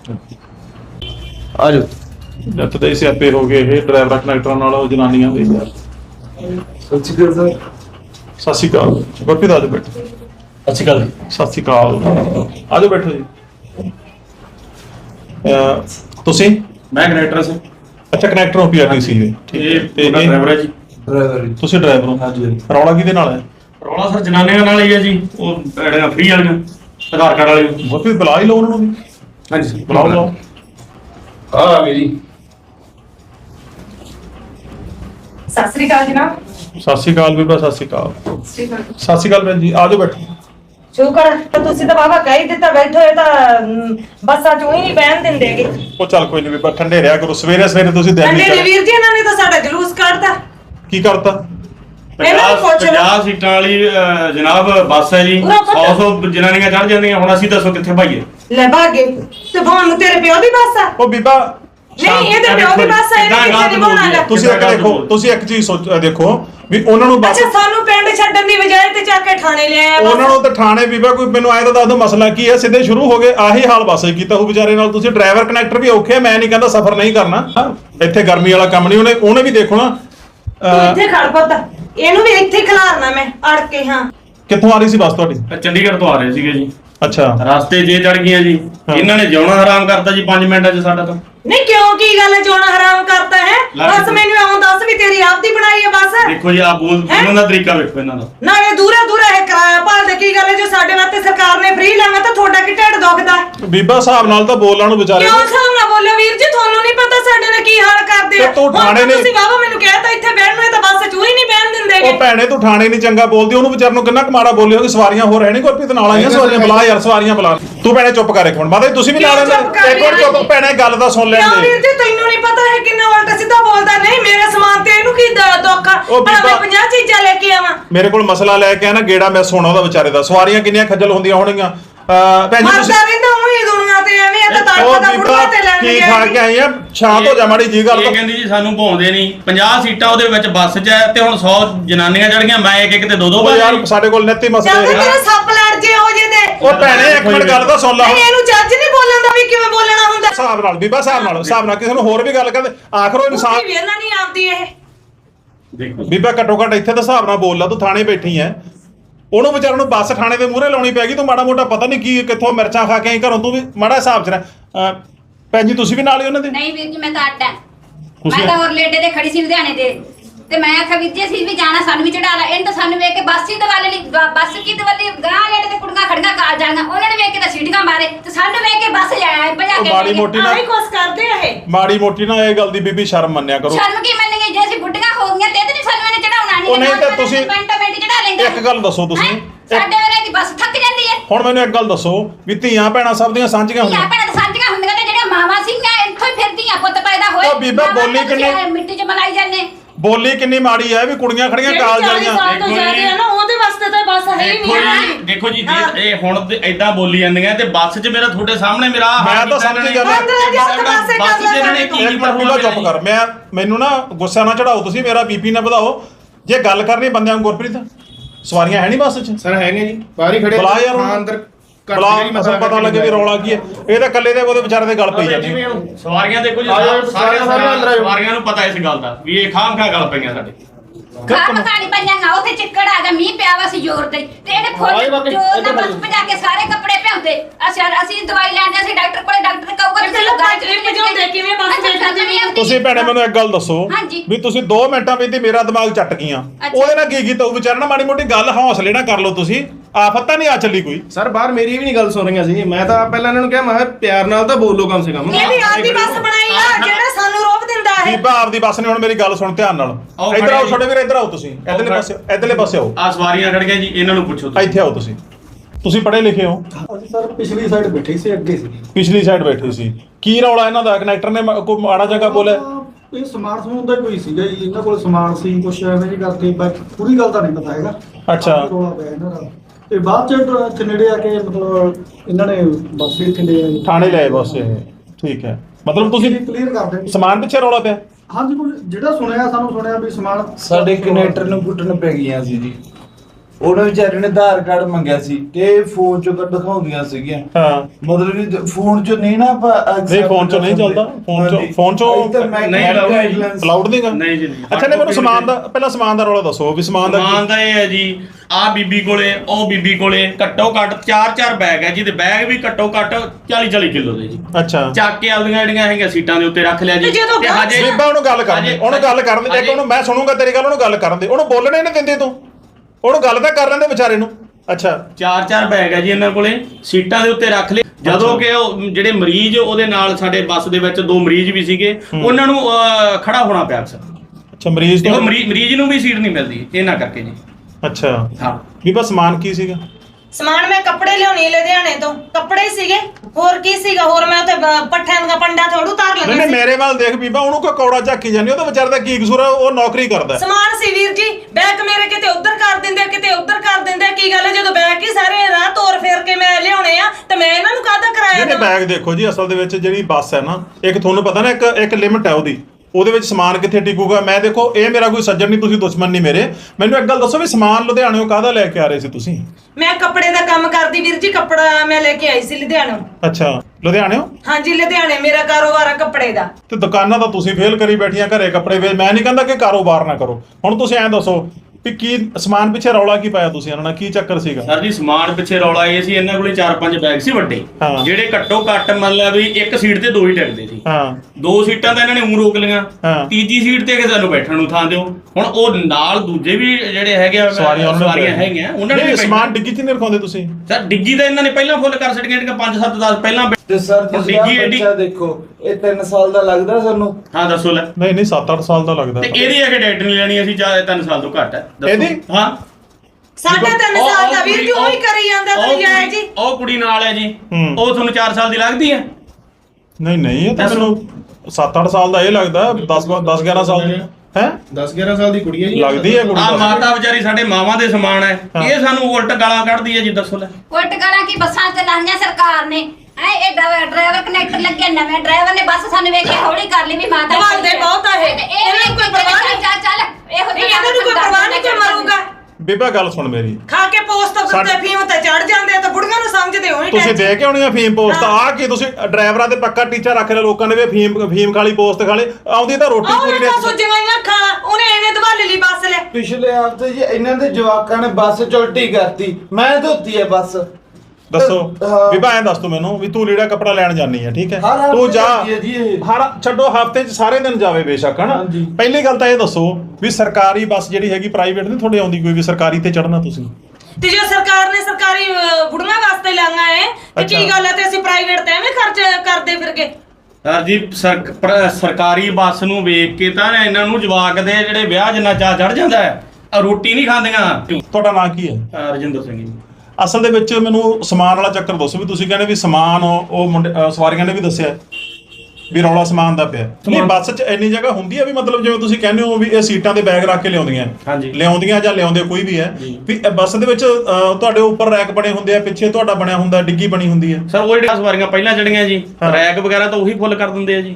Speaker 2: ਆ ਜਾਓ।
Speaker 3: ਜੱਤ ਦੇ ਸਿਆਪੇ ਹੋ ਗਏ ਇਹ ਡਰਾਈਵਰਾਂ ਕਨੈਕਟਰਾਂ ਨਾਲ, ਜਨਾਨੀਆਂ ਦੇ ਯਾਰ। ਸਤਿ ਸ਼੍ਰੀ ਅਕਾਲ ਗੁਰਪ੍ਰੀਤ, ਆ ਜਾਓ ਬੈਠੋ।
Speaker 4: ਸਤਿ ਸ਼੍ਰੀ ਅਕਾਲ ਜੀ।
Speaker 3: ਸਤਿ ਸ਼੍ਰੀ ਅਕਾਲ, ਆ ਜਾਓ ਬੈਠੋ ਜੀ। ਤੁਸੀਂ?
Speaker 4: ਮੈਂ ਕਨੈਕਟਰ ਸੀ।
Speaker 3: ਅੱਛਾ, ਕਨੈਕਟਰ ਹੋ ਪੀਆਰਟੀਸੀ ਦੇ।
Speaker 4: ਇਹ ਡਰਾਈਵਰ ਹੈ ਜੀ।
Speaker 3: ਤੁਸੀਂ ਡਰਾਈਵਰ ਹੋ? ਹਾਂਜੀ। ਰੌਲਾ ਕਿਹਦੇ ਨਾਲ ਹੈ?
Speaker 4: ਰੌਲਾ ਸਰ ਜਨਾਨੀਆਂ ਨਾਲ ਹੀ ਹੈ ਜੀ। ਉਹ ਐਡੀਆਂ ਫ੍ਰੀ ਵਾਲੀਆਂ, ਆਧਾਰ ਕਾਰਡ ਵਾਲੀਆਂ।
Speaker 3: ਗੁਰਪ੍ਰੀਤ ਬੁਲਾ ਹੀ ਲਓ ਉਹਨਾਂ ਨੂੰ ਵੀ।
Speaker 2: ਹਾਂਜੀ
Speaker 3: ਬੁਲਾਓ।
Speaker 2: ਆ ਗਏ ਜੀ।
Speaker 5: ਸਤਿ ਸ੍ਰੀ ਅਕਾਲ ਜਨਾਬ।
Speaker 3: ਸਤਿ ਸ਼੍ਰੀ ਅਕਾਲ ਬੀਬਾ। ਸਤਿ ਸ਼੍ਰੀ ਅਕਾਲ। ਸਤਿ ਸ਼੍ਰੀ ਅਕਾਲ ਭੈਣ ਜੀ, ਆ ਜਾਓ ਬੈਠੋ।
Speaker 5: ਸ਼ੁਕਰ ਤਾਂ ਤੁਸੀਂ ਤਾਂ ਬਾਬਾ ਕਹਿ ਹੀ ਦਿੱਤਾ ਬੈਠੋ। ਇਹ ਤਾਂ ਬੱਸਾਂ ਚੋਂ ਹੀ ਨਹੀਂ ਬਹਿਣ ਦਿੰਦੇਗੇ।
Speaker 3: ਉਹ ਚੱਲ ਕੋਈ ਨਹੀਂ ਬੀਬਾ, ਠੰਡੇ ਰਿਹਾ ਕਰੋ। ਸਵੇਰੇ ਸਵੇਰੇ ਤੁਸੀਂ ਦਿਹਾੜੀ
Speaker 5: ਅੰਡੇ ਵੀਰ ਜੀ ਇਹਨਾਂ ਨੇ ਤਾਂ ਸਾਡਾ ਜਲੂਸ ਕੱਢਤਾ।
Speaker 3: ਕੀ ਕਰਤਾ?
Speaker 4: 50 ਸੀਟਾਂ ਵਾਲੀ ਜਨਾਬ ਬੱਸ ਹੈ ਜੀ। 100 ਜਨਾਨੀਆਂ ਚੜ ਜਾਂਦੀਆਂ। ਹੁਣ ਅਸੀਂ ਦੱਸੋ ਕਿੱਥੇ ਭਾਈਏ?
Speaker 5: ਲੈ ਭਾਗੇ ਤੇ ਭਾਣ ਨੂੰ ਤੇਰੇ ਪਿਓ ਦੀ ਬੱਸ ਆ?
Speaker 3: ਉਹ ਬੀਬਾ
Speaker 5: ਨਹੀਂ, ਇਹਦੇ ਪਿਓ ਦੀ ਬੱਸ ਆ। ਇਹਨੇ ਕਿੱਥੇ ਨਹੀਂ ਬੋਲਣਾ।
Speaker 3: ਤੁਸੀਂ ਇੱਕ ਦੇਖੋ, ਤੁਸੀਂ ਇੱਕ ਚੀਜ਼ ਦੇਖੋ ਵੀ ਉਹਨਾਂ ਨੂੰ ਬੱਸ,
Speaker 5: ਅੱਛਾ ਸਾਨੂੰ ਪਿੰਡ ਛੱਡਣ ਦੀ ਬਜਾਏ ਤੇ ਚੱਕ ਕੇ ਥਾਣੇ ਲੈ ਆਇਆ।
Speaker 3: ਉਹਨਾਂ ਨੂੰ ਤਾਂ ਥਾਣੇ ਬੀਬਾ ਕੋਈ ਮੈਨੂੰ ਆਇਆ ਤਾਂ ਦੱਸ ਦੋ ਮਸਲਾ ਕੀ ਹੈ। ਸਿੱਧੇ ਸ਼ੁਰੂ ਹੋ ਗਏ, ਆਹੀ ਹਾਲ ਬੱਸ ਕੀਤਾ ਉਹ ਵਿਚਾਰੇ ਨਾਲ। ਤੁਸੀਂ ਡਰਾਈਵਰ ਕਨੈਕਟਰ ਵੀ ਔਖੇ, ਮੈਂ ਨਹੀਂ ਕਹਿੰਦਾ ਸਫ਼ਰ ਨਹੀਂ ਕਰਨਾ। ਇੱਥੇ ਗਰਮੀ ਵਾਲਾ ਕੰਮ ਨਹੀਂ। ਉਹਨੇ ਵੀ ਦੇਖੋ ਨਾ।
Speaker 5: ਇੱਥੇ ਖੜ ਪੁੱਤ, ਇਹਨੂੰ ਵੀ ਇੱਥੇ ਖਿਲਾਰਨਾ ਮੈਂ ਅੜ ਕੇ। ਹਾਂ,
Speaker 3: ਕਿੱਥੋਂ ਆ ਰਹੀ ਸੀ ਬੱਸ ਤੁਹਾਡੀ?
Speaker 4: ਚੰਡੀਗੜ੍ਹ ਤੋਂ ਆ ਰਹੇ ਸੀਗੇ ਜੀ।
Speaker 3: ਅੱਛਾ,
Speaker 4: ਰਸਤੇ ਜੇ ਚੜ ਗਈਆਂ ਜੀ। ਇਹਨਾਂ ਨੇ ਜਿਉਣਾ ਹਰਾਮ ਕਰਤਾ ਜੀ 5 ਮਿੰਟਾਂ 'ਚ ਸਾਡਾ ਤਾਂ।
Speaker 5: ਨਹੀਂ ਕਿਉਂ, ਕੀ ਗੱਲ ਹੈ? ਜੋਣਾ ਹਰਾਮ ਕਰਤਾ ਹੈ? ਬਸ ਮੈਨੂੰ ਆਉਂ ਦੱਸ ਵੀ ਤੇਰੀ ਆਪਦੀ ਬਣਾਈ ਹੈ ਬੱਸ?
Speaker 4: ਦੇਖੋ ਜੀ, ਆ ਬੋਲਣ ਦਾ ਤਰੀਕਾ ਵੇਖੋ ਇਹਨਾਂ ਦਾ।
Speaker 5: ਨਾਲੇ ਦੂਰਾ ਦੂਰਾ ਇਹ ਕਿਰਾਇਆ ਭਾਲਦੇ। ਕੀ ਗੱਲ ਹੈ? ਜੋ ਸਾਡੇ ਵਾਸਤੇ ਸਰਕਾਰ ਨੇ ਫ੍ਰੀ ਲਾਣਾ ਤਾਂ ਤੁਹਾਡਾ ਕੀ ਢਿੱਡ ਦੁਖਦਾ?
Speaker 3: ਬੀਬਾ ਹਿਸਾਬ ਨਾਲ ਤਾਂ ਬੋਲਣ ਨੂੰ ਵਿਚਾਰੇ।
Speaker 5: ਕਿਉਂ ਹਿਸਾਬ ਨਾਲ ਬੋਲੋ ਵੀਰ ਜੀ? ਤੁਹਾਨੂੰ ਨਹੀਂ ਪਤਾ ਸਾਡੇ ਨਾਲ ਕੀ ਹਾਲ ਕਰਦੇ ਆ?
Speaker 3: ਤੂੰ ਥਾਣੇ ਨੇ
Speaker 5: ਤੁਸੀਂ ਬਾਬਾ ਮੈਨੂੰ ਕਹਿਤਾ ਇੱਥੇ ਬਹਿਣ ਨੂੰ, ਇਹ ਤਾਂ ਬੱਸ ਚੂਹੀ ਨਹੀਂ ਬਹਿਣ ਦਿੰਦੇਗੇ।
Speaker 3: ਉਹ ਭੈਣੇ ਤੂੰ ਥਾਣੇ ਨਹੀਂ ਚੰਗਾ ਬੋਲਦੀ। ਉਹਨੂੰ ਵਿਚਾਰ ਨੂੰ ਕਿੰਨਾ ਕਮਾੜਾ ਬੋਲੀ ਹੋਗੀ। ਸਵਾਰੀਆਂ ਹੋ ਰਹੇ ਨੇ ਗੁਰਪ੍ਰੀਤ ਨਾਲ ਆਈਆਂ। ਸਵਾਰੀਆਂ ਬੁਲਾ ਯਾਰ, ਸਵਾਰੀਆਂ ਬੁਲਾ। ਤੂੰ ਭੈਣੇ ਚੁੱਪ ਕਰ ਇੱਕ ਮਿੰਟ। ਮਾਤਾ ਜੀ ਤੁਸੀਂ ਵੀ ਨਾਲ ਇੱਕ ਮਿੰਟ ਚੁੱਪ। ਭੈਣੇ ਗੱਲ ਦਾ ਸੁਣ ਲੈਣ
Speaker 5: ਕਿਉਂ
Speaker 3: ਦੇ।
Speaker 5: ਵੀਰ ਜੀ ਤੈਨੂੰ ਨਹੀਂ ਪਤਾ ਹੈ ਕਿੰਨਾ ਉਲਟਾ ਸਿੱਧਾ ਬੋਲਦਾ? ਨਹੀਂ ਮੇਰੇ ਸਮਾਨ ਤੇ ਇਹਨੂੰ ਕੀ ਦੁੱਖ ਆ? ਮੈਂ 50 ਚੀਜ਼ਾਂ ਲੈ ਕੇ ਆਵਾਂ।
Speaker 3: ਮੇਰੇ ਕੋਲ ਮਸਲਾ ਲੈ ਕੇ ਆ ਨਾ, ਗੇੜਾ ਮੈਂ ਸੋਣਾ ਉਹਦਾ ਵਿਚਾਰੇ ਦਾ। ਸਵਾਰੀਆਂ ਕਿੰਨੀਆਂ ਖੱਜਲ ਹੁੰਦੀਆਂ ਹੋਣਗੀਆਂ। ਭੈਣ ਜੀ ਤੁਸੀਂ
Speaker 5: ਰਹਿੰਦਾ ਉਹੀ ਦੁਨੀਆ ਤੇ ਐਵੇਂ ਆ ਤਾਂ ਤੜਕਾ ਦਾ ਬੁੜਵਾ ਤੇ ਲੈਣ
Speaker 3: ਕੀ ਖਾ ਕੇ ਆਈ ਆ? ਸ਼ਾਂਤ ਹੋ ਜਾ ਮਾੜੀ ਜੀ ਗੱਲ।
Speaker 4: ਇਹ ਕਹਿੰਦੀ ਜੀ ਸਾਨੂੰ ਭੌਂਦੇ ਨਹੀਂ। 50 ਸੀਟਾਂ ਉਹਦੇ ਵਿੱਚ ਬੱਸ 'ਚ ਹੈ ਤੇ ਹੁਣ 100 ਜਨਾਨੀਆਂ ਚੜ ਗਈਆਂ। ਮੈਂ ਇੱਕ ਇੱਕ ਤੇ ਦੋ ਦੋ
Speaker 3: ਯਾਰ ਸਾਡੇ ਕੋਲ ਨੈਤੀ ਮਸਲੇ
Speaker 5: ਤੇਰੇ ਸੱਪ ਲੜ ਜੇ ਹੋ ਜੇ ਤੇ।
Speaker 3: ਉਹ ਭੈਣੇ ਇੱਕ ਮਿੰਟ ਗੱਲ ਤਾਂ ਸੁਣ ਲਾ।
Speaker 5: ਨਹੀਂ ਇਹਨੂੰ ਜੱਜ ਨਹੀਂ ਬੋਲਣ ਦਾ ਵੀ ਕਿਵੇਂ ਬੋਲਣਾ ਹੁੰਦਾ?
Speaker 3: ਹਿਸਾਬ ਨਾਲ ਬੀਬਾ, ਹਿਸਾਬ ਨਾਲ ਕਿਸੇ ਨੂੰ ਹੋਰ ਵੀ ਗੱਲ ਕਰਦੇ। ਆਖਰੋਂ ਇਨਸਾਨ
Speaker 5: ਵੀ ਇਹਨਾਂ ਨਹੀਂ ਆਉਂਦੀ ਇਹ।
Speaker 4: ਦੇਖੋ
Speaker 3: ਬੀਬਾ ਘੱਟੋ ਘੱਟ ਇੱਥੇ ਤਾਂ ਹਿਸਾਬ ਨਾਲ ਬੋਲ ਲਾ। ਤੂੰ ਥਾਣੇ ਬੈਠੀ ਐ, ਉਹਨੂੰ ਵਿਚਾਰ ਨੂੰ ਬੱਸ ਥਾਣੇ ਦੇ ਮੂਹਰੇ ਲਾਉਣੀ ਪੈ ਗਈ। ਤੂੰ ਮਾੜਾ ਮੋਟਾ ਪਤਾ ਨਹੀਂ ਕੀ ਕਿੱਥੋਂ ਮਿਰਚਾਂ ਖਾ ਕੇ ਆਈ ਘਰੋਂ। ਤੂੰ ਵੀ ਮਾੜਾ ਹਿਸਾਬ ਚ ਰਹਿ। ਭੈਣ ਜੀ ਤੁਸੀਂ ਵੀ ਨਾਲ ਹੀ ਉਹਨਾਂ ਦੇ?
Speaker 6: ਨਹੀਂ ਵੀਰ ਜੀ, ਮੈਂ ਤਾਂ ਅੱਡ ਆ। ਮੈਂ ਤਾਂ ਹੋਰ ਲੇਡੇ ਤੇ ਖੜੀ ਸੀ ਲੁਧਿਆਣੇ ਤੇ ਮੈਂ ਆਖਿਆ ਵੀਰ ਜੀ ਅਸੀਂ ਵੀ ਜਾਣਾ, ਸਾਨੂੰ ਵੀ ਚੜਾ ਲਾ। ਇਹਨੇ ਤਾਂ ਸਾਨੂੰ ਵੇਖ ਕੇ ਬੱਸ ਹੀ ਦਵਾਲੇ ਲਈ, ਬੱਸ ਕੀ ਦਵਾਲੇ ਗਾਂ ਲੇਡੇ ਤੇ ਕੁੜੀਆਂ ਖੜੀਆਂ ਕਾਲ ਜਾਣੀਆਂ। ਉਹਨਾਂ ਨੇ ਵੇਖ ਕੇ ਤਾਂ ਸੀਟੀਆਂ ਮਾਰੇ ਤੇ ਸਾਨੂੰ ਵੇਖ ਕੇ ਬੱਸ ਜਾਇਆ ਭਜਾ ਕੇ।
Speaker 3: ਮਾੜੀ ਮੋਟੀ ਨਾ
Speaker 5: ਆਹੀ ਕੁਛ ਕਰਦੇ ਆ ਇਹ।
Speaker 3: ਮਾੜੀ ਮੋਟੀ ਨਾ ਇਹ ਗੱਲ ਦੀ ਬੀਬੀ ਸ਼ਰਮ ਮੰਨਿਆ ਕਰੋ।
Speaker 6: ਸ਼ਰਮ ਕੀ ਮੰਨਗੇ? ਜੇ ਅਸੀਂ ਬੁੱਢੀਆਂ ਹੋ ਗਈਆਂ ਤੇ ਨਹੀਂ ਸਾਨੂੰ ਇਹਨੇ ਚੜਾਉਣਾ ਨਹੀਂ।
Speaker 3: ਉਹ ਨਹੀਂ ਤਾਂ ਤੁਸੀਂ
Speaker 6: ਮਿੰਟ ਚੜਾ ਲੈਂਦੇ।
Speaker 3: ਇੱਕ ਗੱਲ ਦੱਸੋ ਤੁਸੀਂ,
Speaker 6: ਸਾਡੇ ਵੇਲੇ ਦੀ ਬੱਸ ਥੱਕ ਜਾਂਦੀ ਹੈ।
Speaker 3: ਹੁਣ ਮੈਨੂੰ ਇੱਕ ਗੱਲ ਦੱਸੋ ਵੀ ਧੀਆਂ ਭੈਣਾਂ ਸਭ ਦੀਆਂ ਸਾਂਝੀਆਂ
Speaker 6: ਧੀਆਂ
Speaker 3: ਹੁੰਦੀਆਂ।
Speaker 6: ਭੈਣਾਂ ਤਾਂ ਸਾਂਝੀਆਂ ਹੁੰਦੀਆਂ ਤੇ ਜਿਹੜੀਆਂ ਮਾਵਾਂ ਸੀਗੀਆਂ ਇੱਥੋਂ ਹੀ ਫਿਰਦੀਆਂ ਪੁੱਤ ਪੈਦਾ ਹੋਏ।
Speaker 3: ਉਹ ਬੀਬਾ ਬੋਲੀ ਕਿੰਨੀ
Speaker 6: ਮਿੱਟੀ 'ਚ ਮਲਾਈ ਜਾਂਦੇ।
Speaker 3: ਬੋਲੀ ਕਿੰਨੀ ਮਾੜੀ ਹੈ ਵੀ ਕੁੜੀਆਂ ਖੜੀਆਂ ਕਾਲ ਜਾਣੀਆਂ।
Speaker 5: ਤੋਂ ਜ਼ਿਆਦਾ ਹੈ ਨਾ ਉਹਦੇ ਵਾਸਤੇ ਤਾਂ ਬੱਸ ਹੈ ਹੀ ਨਹੀਂ।
Speaker 4: ਦੇਖੋ ਜੀ, ਇਹ ਹੁਣ ਏਦਾਂ ਬੋਲੀ ਜਾਂਦੀਆਂ ਤੇ ਬੱਸ 'ਚ ਮੇਰਾ ਤੁਹਾਡੇ ਸਾਹਮਣੇ ਮੇਰਾ
Speaker 3: ਮੈਂ ਤਾਂ ਸਮਝ ਗਿਆ।
Speaker 4: ਬੱਸ 'ਚ ਇਹਨਾਂ ਨੇ ਕੀ
Speaker 3: ਇੱਕ ਮਿੰਟ ਬੀਬਾ ਚੁੱਪ ਕਰ। ਮੈਨੂੰ ਨਾ ਗੁੱਸਾ ਨਾ ਚੜਾਓ ਤੁਸੀਂ, ਮੇਰਾ ਬੀਪੀ ਨਾ ਵਧਾਓ। ਜੇ ਗੱਲ ਕਰਨੀ ਬੰਦਿਆਂ ਨੂੰ ਗੁਰਪ੍ਰੀਤ, ਸਵਾਰੀਆਂ ਹੈ ਨਹੀਂ ਬੱਸ 'ਚ?
Speaker 2: ਸਰ ਹੈਗੇ ਜੀ, ਬਾਹਰ ਹੀ ਖੜੇ।
Speaker 3: ਬੁਲਾ ਯਾਰ
Speaker 2: ਅੰਦਰ
Speaker 3: ਬੁਲਾ, ਮਸਲ ਪਤਾ ਲੱਗੇ ਵੀ ਰੌਲਾ ਕੀ ਹੈ। ਇਹ ਤਾਂ ਇਕੱਲੇ ਦੇ ਉਹਦੇ ਵਿਚਾਰੇ ਦੇ ਗੱਲ ਪਈ ਜਾਂਦੀ।
Speaker 4: ਸਵਾਰੀਆਂ ਦੇਖੋ ਜੀ, ਸਵਾਰੀਆਂ ਨੂੰ ਪਤਾ ਇਸ ਗੱਲ ਦਾ ਵੀ ਇਹ ਖਾਮ ਖਾ ਗੱਲ ਪਈਆਂ ਸਾਡੇ।
Speaker 6: ਖਾਮ ਖਾਣੀ ਪਈਆਂ। ਉੱਥੇ ਚਿੱਕੜ ਆ ਗਿਆ, ਮੀਂਹ ਪਿਆ ਵਾ ਸੀ ਜ਼ੋਰ ਤੇ ਇਹਨੇ ਫੁੱਲ ਜੋਰ ਨਾਲ ਬੱਸ ਭਜਾ ਕੇ ਸਾਰੇ ਕੱਪੜੇ ਭਿਉਂਦੇ। ਅਸੀਂ ਦਵਾਈ ਲੈਣੇ, ਅਸੀਂ ਡਾਕਟਰ ਕੋਲੇ, ਡਾਕਟਰ ਕਹੂਗਾ
Speaker 5: ਕਿਵੇਂ ਬੱਸ ਭੇਜਦੇ?
Speaker 3: ਤੁਸੀਂ ਭੈਣੇ ਮੈਨੂੰ ਇੱਕ ਗੱਲ ਦੱਸੋ ਵੀ ਤੁਸੀਂ 2 ਮਿੰਟਾਂ ਵਿੱਚ ਮੇਰਾ ਦਿਮਾਗ ਚੱਟ ਗਈਆਂ। ਉਹਦੇ ਨਾਲ ਕੀ ਕੀਤਾ ਉਹ ਵਿਚਾਰਾ ਨਾ? ਮਾੜੀ ਮੋਟੀ ਗੱਲ ਹੌਸਲੇ ਨਾਲ ਕਰ ਲਓ ਤੁਸੀਂ। ਆਫਤ ਤਾਂ ਨਹੀਂ ਆ ਚੱਲੀ ਕੋਈ?
Speaker 2: ਸਰ ਬਾਹਰ ਮੇਰੀ ਵੀ ਨਹੀਂ ਗੱਲ ਸੁਣ ਰਹੀਆਂ ਸੀ, ਮੈਂ ਤਾਂ ਪਹਿਲਾਂ ਇਹਨਾਂ ਨੂੰ ਕਿਹਾ, ਮੈਂ ਕਿਹਾ ਪਿਆਰ ਨਾਲ ਤਾਂ ਬੋਲੋ ਕਮ ਸੇ ਕਮ।
Speaker 5: ਇਹ ਵੀ ਆਪਦੀ ਬੱਸ ਬਣਾਈ ਆ ਜਿਹੜਾ ਸਾਨੂੰ ਰੋਕ ਦਿੰਦਾ ਹੈ।
Speaker 3: ਬੀਬਾ ਆਪਦੀ ਬੱਸ ਨੇ, ਹੁਣ ਮੇਰੀ ਗੱਲ ਸੁਣ ਧਿਆਨ ਨਾਲ, ਇੱਧਰ ਆਓ ਛੋਟੇ ਵੀਰ, ਇੱਧਰ ਆਓ ਤੁਸੀਂ, ਇੱਧਰਲੇ ਪਾਸੇ ਆਓ।
Speaker 4: ਆ ਸਵਾਰੀਆਂ ਖੜ ਗਈਆਂ ਜੀ, ਇਹਨਾਂ ਨੂੰ ਪੁੱਛੋ ਤੁਸੀਂ।
Speaker 3: ਇੱਥੇ ਆਓ ਤੁਸੀਂ ਪੜ੍ਹੇ ਲਿਖੇ ਹੋ?
Speaker 7: ਅਸੀਂ ਸਰ ਪਿਛਲੀ ਸਾਈਡ ਬੈਠੇ ਸੀ, ਅੱਗੇ ਸੀ।
Speaker 3: ਪਿਛਲੀ ਸਾਈਡ ਬੈਠੇ ਸੀ, ਕੀ ਰੌਲਾ ਇਹਨਾਂ ਦਾ? ਕਨੈਕਟਰ ਨੇ ਕੋਈ ਮਾੜਾ ਜਗ੍ਹਾ ਬੋਲਿਆ?
Speaker 7: ਇਹ ਸਮਾਨ ਸਮੂਨ ਦਾ ਕੋਈ ਸੀਗਾ ਜੀ, ਇਹਨਾਂ ਕੋਲ ਸਮਾਨ ਸੀ ਕੁਛ ਐਵੇਂ ਜਿਹੀ ਕਰਕੇ, ਬਾਕੀ ਪੂਰੀ ਗੱਲ ਤਾਂ ਨਹੀਂ ਪਤਾ ਹੈਗਾ।
Speaker 3: ਅੱਛਾ।
Speaker 7: ਰੌਲਾ ਪਿਆ ਇਹਨਾਂ ਦਾ, ਤੇ ਬਾਅਦ ਚ ਇੱਥੇ ਨੇੜੇ ਆ ਕੇ ਮਤਲਬ ਇਹਨਾਂ ਨੇ ਬੱਸ ਇੱਥੇ ਲੈ ਆਈ,
Speaker 3: ਥਾਣੇ ਲਏ ਬਸ ਇਹ। ਠੀਕ ਹੈ, ਮਤਲਬ ਤੁਸੀਂ
Speaker 7: ਕਲੀਅਰ ਕਰਦੇ
Speaker 3: ਸਮਾਨ ਪਿੱਛੇ ਰੌਲਾ ਪਿਆ?
Speaker 7: ਹਾਂਜੀ, ਕੁਝ ਜਿਹੜਾ ਸਾਨੂੰ ਸੁਣਿਆ ਵੀ ਸਮਾਨ
Speaker 8: ਸਾਡੇ ਕਨੈਕਟਰ ਨੂੰ ਕੁੱਟਣ ਪੈ ਗਈਆਂ ਸੀ ਜੀ। ਉਹਨੇ ਵਿਚਾਰੇ ਨੇ ਆਧਾਰ ਕਾਰਡ ਮੰਗਿਆ ਸੀ ਤੇ ਫੋਨ ਚੋਂ ਦਿਖਾਉਂਦੀਆਂ ਸੀਗੀਆਂ।
Speaker 3: ਹਾਂ,
Speaker 8: ਮਤਲਬ ਵੀ ਫੋਨ ਚੋਂ ਨਹੀਂ ਨਾ
Speaker 3: ਨਹੀਂ ਫੋਨ ਚੋਂ ਨਹੀਂ ਚੱਲਦਾ, ਫੋਨ ਚੋਂ
Speaker 4: ਨਹੀਂ
Speaker 3: ਅਲਾਉਡ ਨਹੀਂਗਾ।
Speaker 4: ਨਹੀਂ ਜੀ, ਨਹੀਂ।
Speaker 3: ਅੱਛਾ, ਨਹੀਂ ਮੈਨੂੰ ਸਮਾਨ ਦਾ ਪਹਿਲਾਂ ਸਮਾਨ ਦਾ ਰੌਲਾ ਦੱਸੋ ਵੀ ਸਮਾਨ ਦਾ
Speaker 4: ਇਹ ਹੈ ਜੀ, ਆ ਬੀਬੀ ਕੋਲੇ, ਉਹ ਬੀਬੀ ਕੋਲੇ ਘੱਟੋ ਘੱਟ 4 ਬੈਗ ਹੈ ਜੀ, ਤੇ ਬੈਗ ਵੀ ਘੱਟੋ ਘੱਟ 40 ਕਿਲੋ ਦੇ ਜੀ।
Speaker 3: ਅੱਛਾ,
Speaker 4: ਚੱਕ ਕੇ ਆਪਦੀਆਂ ਜਿਹੜੀਆਂ ਹੈਗੀਆਂ ਸੀਟਾਂ ਦੇ ਉੱਤੇ ਰੱਖ ਲਿਆ ਜੀ।
Speaker 5: ਤੇ ਜਦੋਂ
Speaker 4: ਤੇ ਹਜੇ
Speaker 3: ਬੀਬਾ ਉਹਨੂੰ ਗੱਲ ਕਰਨ ਦੇ, ਇੱਕ ਉਹਨੂੰ ਮੈਂ ਸੁਣੂਗਾ ਤੇਰੀ ਗੱਲ, ਉਹਨੂੰ ਗੱਲ ਕਰਨ ਦੇ, ਉਹਨੂੰ ਬੋਲਣੇ ਨਹੀਂ ਦਿੰਦੇ ਤੂੰ, ਉਹਨੂੰ ਗੱਲ ਤਾਂ ਕਰ ਲੈਂਦੇ ਵਿਚਾਰੇ ਨੂੰ। ਅੱਛਾ,
Speaker 4: 4 ਬੈਗ ਹੈ ਜੀ ਇਹਨਾਂ ਕੋਲੇ, ਸੀਟਾਂ ਦੇ ਉੱਤੇ ਰੱਖ ਲਏ। ਜਦੋਂ ਕਿ ਉਹ ਜਿਹੜੇ ਮਰੀਜ਼ ਉਹਦੇ ਨਾਲ ਸਾਡੇ ਬੱਸ ਦੇ ਵਿੱਚ 2 ਮਰੀਜ਼ ਵੀ ਸੀਗੇ, ਉਹਨਾਂ ਨੂੰ ਖੜਾ ਹੋਣਾ ਪਿਆ ਅਕਸਰ।
Speaker 3: ਅੱਛਾ, ਮਰੀਜ਼
Speaker 4: ਦੇਖੋ ਮਰੀਜ਼ ਨੂੰ ਵੀ ਸੀਟ ਨਹੀਂ ਮਿਲਦੀ ਇਹਨਾਂ ਕਰਕੇ ਜੀ।
Speaker 3: ਅੱਛਾ
Speaker 4: ਹਾਂ,
Speaker 3: ਬੀਬਾ ਸਮਾਨ ਕੀ ਸੀਗਾ?
Speaker 5: ਸਮਾਨ ਮੈਂ ਕੱਪੜੇ ਲਿਆਉਣੀ ਲੁਧਿਆਣੇ ਤੋਂ, ਕੱਪੜੇ ਸੀਗੇ, ਹੋਰ ਕੀ ਸੀਗਾ? ਹੋਰ ਮੈਂ ਉੱਥੇ ਪੱਠਿਆਂ ਦੀਆਂ ਪੰਡਾ ਥੋੜੂ ਤਾਰ ਲੈਣਾ
Speaker 3: ਨਹੀਂ
Speaker 5: ਸੀ।
Speaker 3: ਮੇਰੇ ਵੱਲ ਦੇਖ ਬੀਬਾ, ਉਹਨੂੰ ਕੋਈ ਕੌੜਾ ਝਾਕੀ ਜਾਂਦੀ, ਉਹ ਤਾਂ ਵਿਚਾਰੇ ਦਾ ਕੀ ਕਸੂਰ ਆ, ਉਹ ਨੌਕਰੀ ਕਰਦਾ।
Speaker 5: ਸਮਾਨ ਸੀ ਵੀਰ ਜੀ, ਬੈਗ ਮੇਰੇ ਕਿਤੇ ਉੱਧਰ ਕਰ ਦਿੰਦੇ, ਕਿਤੇ ਉੱਧਰ ਕਰ ਦਿੰਦੇ। ਕੀ ਗੱਲ ਹੈ, ਜਦੋਂ ਬੈਗ ਹੀ ਸਾਰੇ ਰਾਹ ਤੋਰ ਫੇਰ ਕੇ ਮੈਂ ਲਿਆਉਣੇ ਆ, ਤੇ ਮੈਂ ਇਹਨਾਂ ਨੂੰ ਕਾਹਦਾ ਕਰਾਇਆ
Speaker 3: ਨਹੀਂ ਬੈਗ ਦੇਖੋ ਜੀ, ਅਸਲ ਦੇ ਵਿੱਚ ਜਿਹੜੀ ਬੱਸ ਹੈ ਨਾ, ਇੱਕ ਤੁਹਾਨੂੰ ਪਤਾ ਨਾ, ਇੱਕ ਲਿਮਟ ਹੈ ਉਹਦੇ ਵਿੱਚ ਸਮਾਨ ਕਿੱਥੇ ਟਿਕੂਗਾ। ਮੈਂ ਦੇਖੋ, ਇਹ ਮੇਰਾ ਕੋਈ ਸੱਜਣ ਨਹੀਂ, ਤੁਸੀਂ ਦੁਸ਼ਮਣ ਨਹੀਂ ਮੇਰੇ। ਮੈਨੂੰ ਇੱਕ ਗੱਲ ਦੱਸੋ ਵੀ ਸਮਾਨ ਲੁਧਿਆਣਿਓਂ ਕਾਹਦਾ ਲੈ ਕੇ ਆ ਰਹੇ ਸੀ ਤੁਸੀਂ?
Speaker 5: ਮੈਂ ਕੱਪੜੇ ਦਾ ਕੰਮ ਕਰਦੀ ਵੀਰ ਜੀ, ਕੱਪੜਾ ਮੈਂ ਲੈ ਕੇ ਆਈ ਸੀ ਲੁਧਿਆਣੋਂ।
Speaker 3: ਅੱਛਾ, ਲੁਧਿਆਣਿਓਂ?
Speaker 5: ਹਾਂਜੀ, ਲੁਧਿਆਣੇ ਮੇਰਾ ਕਾਰੋਬਾਰ ਆ ਕੱਪੜੇ ਦਾ।
Speaker 3: ਤੇ ਦੁਕਾਨਾਂ ਤਾਂ ਤੁਸੀਂ ਫੇਲ ਕਰੀ ਬੈਠੀਆਂ, ਘਰੇ ਕੱਪੜੇ ਵੇਚ। ਮੈਂ ਨਹੀਂ ਕਹਿੰਦਾ ਕਿ ਕਾਰੋਬਾਰ ਨਾ ਕਰੋ। ਹੁਣ ਤੁਸੀਂ ਐਂ ਦੱਸੋ ਵੀ ਕੀ ਸਮਾਨ ਪਿੱਛੇ ਰੌਲਾ ਕੀ ਪਾਇਆ ਤੁਸੀਂ ਇਹਨਾਂ ਨਾਲ, ਕੀ ਚੱਕਰ ਸੀਗਾ?
Speaker 4: ਸਰ ਜੀ, ਸਮਾਨ ਪਿੱਛੇ ਰੌਲਾ ਇਹ ਸੀ, ਇਹਨਾਂ ਕੋਲੇ 4-5 ਬੈਗ ਸੀ ਵੱਡੇ,
Speaker 3: ਹਾਂ।
Speaker 4: ਜਿਹੜੇ ਘੱਟੋ ਘੱਟ ਮਤਲਬ ਵੀ ਇੱਕ ਸੀਟ ਤੇ 2 ਹੀ ਟਿਕਦੇ ਸੀ।
Speaker 3: ਹਾਂ,
Speaker 4: 2 ਸੀਟਾਂ ਤਾਂ ਇਹਨਾਂ ਨੇ ਊਂ ਰੋਕ ਲਈਆਂ,
Speaker 3: ਹਾਂ।
Speaker 4: ਤੀਜੀ ਸੀਟ ਤੇ ਕਿ ਸਾਨੂੰ ਬੈਠਣ ਨੂੰ ਥਾਂ ਦਿਓ। ਹੁਣ ਉਹ ਨਾਲ ਦੂਜੇ ਵੀ ਜਿਹੜੇ ਹੈਗੇ ਆ ਸਵਾਰੀਆਂ ਹੈਗੀਆਂ, ਉਹਨਾਂ ਨੇ
Speaker 3: ਸਮਾਨ ਡਿੱਗੀ 'ਚ ਨਹੀਂ ਰਖਾਉਂਦੇ ਤੁਸੀਂ?
Speaker 4: ਸਰ ਡਿੱਗੀ ਤਾਂ ਇਹਨਾਂ ਨੇ ਪਹਿਲਾਂ ਫੁੱਲ ਕਰ ਛੱਡੀਆਂ, ਜਿਹੜੀਆਂ 5-7-10 ਪਹਿਲਾਂ।
Speaker 8: ਤੇ ਸਰ ਤੁਸੀਂ ਬੱਚਾ ਦੇਖੋ, ਇਹ 3 ਸਾਲ ਦਾ ਲੱਗਦਾ ਸਾਨੂੰ।
Speaker 4: ਹਾਂ ਦੱਸੋ ਲੈ।
Speaker 3: ਨਹੀਂ 7-8 ਸਾਲ ਦਾ ਲੱਗਦਾ।
Speaker 4: ਤੇ ਇਹਦੀ ਇਹ ਡੇਟ ਨਹੀਂ ਲੈਣੀ ਅਸੀਂ, 3 ਸਾਲ ਤੋਂ ਘੱਟ ਹੈ।
Speaker 3: ਇਹਦੀ?
Speaker 4: ਹਾਂ,
Speaker 5: 3.5 ਸਾਲ ਦਾ ਵੀਰ ਜੀ ਉਹੀ ਕਰੀ ਜਾਂਦਾ ਤੁਸੀਂ ਆਏ ਜੀ।
Speaker 4: ਉਹ ਕੁੜੀ ਨਾਲ ਹੈ ਜੀ, ਉਹ ਤੁਹਾਨੂੰ 4 ਸਾਲ ਦੀ ਲੱਗਦੀ ਹੈ?
Speaker 3: ਨਹੀਂ ਇਹ ਤਾਂ ਮੈਨੂੰ 7-8 ਸਾਲ ਦਾ ਇਹ ਲੱਗਦਾ, 10-11 ਸਾਲ ਦੀ ਹੈ।
Speaker 2: 10-11 ਸਾਲ ਦੀ ਕੁੜੀ ਹੈ ਜੀ,
Speaker 3: ਲੱਗਦੀ ਹੈ ਕੁੜੀ।
Speaker 4: ਆ ਮਾਤਾ ਵਿਚਾਰੀ ਸਾਡੇ ਮਾਵਾਂ ਦੇ ਸਮਾਨ ਹੈ, ਇਹ ਸਾਨੂੰ ਉਲਟ ਗਾਲਾਂ ਕੱਢਦੀ ਹੈ ਜੀ। ਦੱਸੋ ਲੈ,
Speaker 6: ਉਲਟ ਗਾਲਾਂ ਕੀ ਬੱਸਾਂ ਤੇ ਲਾਈਆਂ ਸਰਕਾਰ ਨੇ? ਇਹ ਡਰਾਈਵਰ ਕਨੈਕਟਰ ਲੱਗੇ, ਨਵੇਂ ਡਰਾਈਵਰ ਨੇ ਬੱਸ ਸਾਨੂੰ ਵੇਖ ਕੇ ਹੌਲੀ ਕਰ ਲਈ ਵੀ ਮਾਤਾ
Speaker 5: ਦਵਾਉਂਦੇ ਬਹੁਤ ਆ ਇਹ।
Speaker 6: ਇਹਨਾਂ ਨੂੰ ਕੋਈ ਪਰਵਾਹ ਨਹੀਂ। ਚੱਲ ਇਹੋ
Speaker 5: ਨਹੀਂ, ਇਹਨਾਂ ਨੂੰ ਕੋਈ ਪਰਵਾਹ ਨਹੀਂ, ਕੋਈ ਮਰੂਗਾ।
Speaker 3: ਬੀਬਾ ਗੱਲ ਸੁਣ ਮੇਰੀ,
Speaker 5: ਖਾ ਕੇ ਪੋਸਟ ਉੱਤੇ ਫੀਮ ਤੇ ਚੜ ਜਾਂਦੇ ਆ, ਤਾਂ ਬੁੜੀਆਂ ਨੂੰ ਸਮਝਦੇ ਹੋਣੀ।
Speaker 3: ਤੁਸੀਂ ਦੇ ਕੇ ਆਉਣੀ ਆ ਫੀਮ ਪੋਸਟ? ਆ ਕੀ ਤੁਸੀਂ ਡਰਾਈਵਰਾਂ ਤੇ ਪੱਕਾ ਟੀਚਾ ਰੱਖ ਲਿਆ ਲੋਕਾਂ ਨੇ ਵੀ ਫੀਮ ਖਾਲੀ ਪੋਸਟ ਖਾਲੀ ਆਉਂਦੀ ਤਾਂ ਰੋਟੀ ਪੂਰੀ
Speaker 5: ਉਹਨੇ ਤਾਂ ਸੁੱਜੀਆਂ ਖਾਣਾ, ਉਹਨੇ ਇਹਨੇ ਦਵਾਲੇ ਲਈ ਬੱਸ ਲੈ।
Speaker 8: ਪਿਛਲੇ ਹਫ਼ਤੇ ਜੀ ਇਹਨਾਂ ਦੇ ਜਵਾਕਾਂ ਨੇ ਬੱਸ ਚ ਉਲਟੀ ਕਰਤੀ, ਮੈਂ ਧੋਤੀ ਹੈ ਬੱਸ।
Speaker 3: ਦੱਸੋ ਬੀਬਾ, ਐਂ ਦੱਸ ਤੂੰ ਮੈਨੂੰ ਵੀ ਤੂੰ ਲੀੜਾ ਕੱਪੜਾ ਲੈਣ ਜਾਨੀ ਹੈ, ਠੀਕ ਹੈ,
Speaker 8: ਹਰ
Speaker 3: ਤੂੰ ਜਾ,
Speaker 8: ਹਫ਼ਤੇ ਜਾਂਦੀ ਹੈ ਜੀ।
Speaker 3: ਛੱਡੋ ਹਫ਼ਤੇ 'ਚ ਸਾਰੇ ਦਿਨ ਜਾਵੇ ਬੇਸ਼ੱਕ, ਹਨਾ।
Speaker 8: ਹਾਂਜੀ।
Speaker 3: ਪਹਿਲੀ ਗੱਲ ਤਾਂ ਇਹ ਦੱਸੋ ਵੀ ਸਰਕਾਰੀ ਬੱਸ ਜਿਹੜੀ ਹੈਗੀ, ਪ੍ਰਾਈਵੇਟ ਨਹੀਂ ਤੁਹਾਡੇ ਆਉਂਦੀ ਕੋਈ ਵੀ? ਸਰਕਾਰੀ ਤੇ ਚੜਨਾ ਤੁਸੀਂ?
Speaker 5: ਤੇ ਜੋ ਸਰਕਾਰ ਨੇ ਸਰਕਾਰੀ ਬੁੜੀਆਂ ਵਾਸਤੇ ਲਾਂਗਾ ਹੈ, ਤੇ ਕੀ ਗੱਲ ਹੈ, ਤੇ ਅਸੀਂ ਪ੍ਰਾਈਵੇਟ ਤੇ ਐਵੇਂ ਖਰਚ ਕਰਦੇ ਫਿਰਗੇ।
Speaker 4: ਸਰ ਜੀ, ਸਰਕਾਰੀ ਬੱਸ ਨੂੰ ਵੇਖ ਕੇ ਤਾਂ ਇਹਨਾਂ ਨੂੰ ਜਵਾਕ ਦੇ ਜਿਹੜੇ ਵਿਆਹ ਜਿੰਨਾ ਚਾਹ ਚੜ ਜਾਂਦਾ ਹੈ, ਰੋਟੀ ਨਹੀਂ ਖਾਂਦੀਆਂ।
Speaker 3: ਤੁਹਾਡਾ ਨਾਂ ਕੀ ਹੈ?
Speaker 4: ਰਜਿੰਦਰ ਸਿੰਘ ਜੀ।
Speaker 3: ਅਸਲ ਦੇ ਵਿੱਚ ਮੈਨੂੰ ਸਮਾਨ ਵਾਲਾ ਚੱਕਰ ਦੱਸੋ ਵੀ ਤੁਸੀਂ ਕਹਿੰਦੇ ਵੀ ਸਮਾਨ ਉਹ ਮੁੰਡੇ ਸਵਾਰੀਆਂ ਨੇ ਵੀ ਦੱਸਿਆ ਵੀ ਰੌਲਾ ਸਮਾਨ ਦਾ ਪਿਆ। ਨਹੀਂ ਬੱਸ 'ਚ ਇੰਨੀ ਜਗ੍ਹਾ ਹੁੰਦੀ ਹੈ ਵੀ ਮਤਲਬ ਜਿਵੇਂ ਤੁਸੀਂ ਕਹਿੰਦੇ ਹੋ ਵੀ ਇਹ ਸੀਟਾਂ ਦੇ ਬੈਗ ਰੱਖ ਕੇ ਲਿਆਉਂਦੀਆਂ ਜਾਂ ਲਿਆਉਂਦੇ ਕੋਈ ਵੀ ਹੈ ਵੀ ਬੱਸ ਦੇ ਵਿੱਚ ਤੁਹਾਡੇ ਉੱਪਰ ਰੈਕ ਬਣੇ ਹੁੰਦੇ ਆ, ਪਿੱਛੇ ਤੁਹਾਡਾ ਬਣਿਆ ਹੁੰਦਾ, ਡਿੱਗੀ ਬਣੀ ਹੁੰਦੀ ਹੈ।
Speaker 4: ਸਰ ਉਹ ਜਿਹੜੀਆਂ ਸਵਾਰੀਆਂ ਪਹਿਲਾਂ ਚੜੀਆਂ ਜੀ, ਰੈਕ ਵਗੈਰਾ ਤਾਂ ਉਹੀ ਫੁੱਲ ਕਰ ਦਿੰਦੇ ਆ ਜੀ।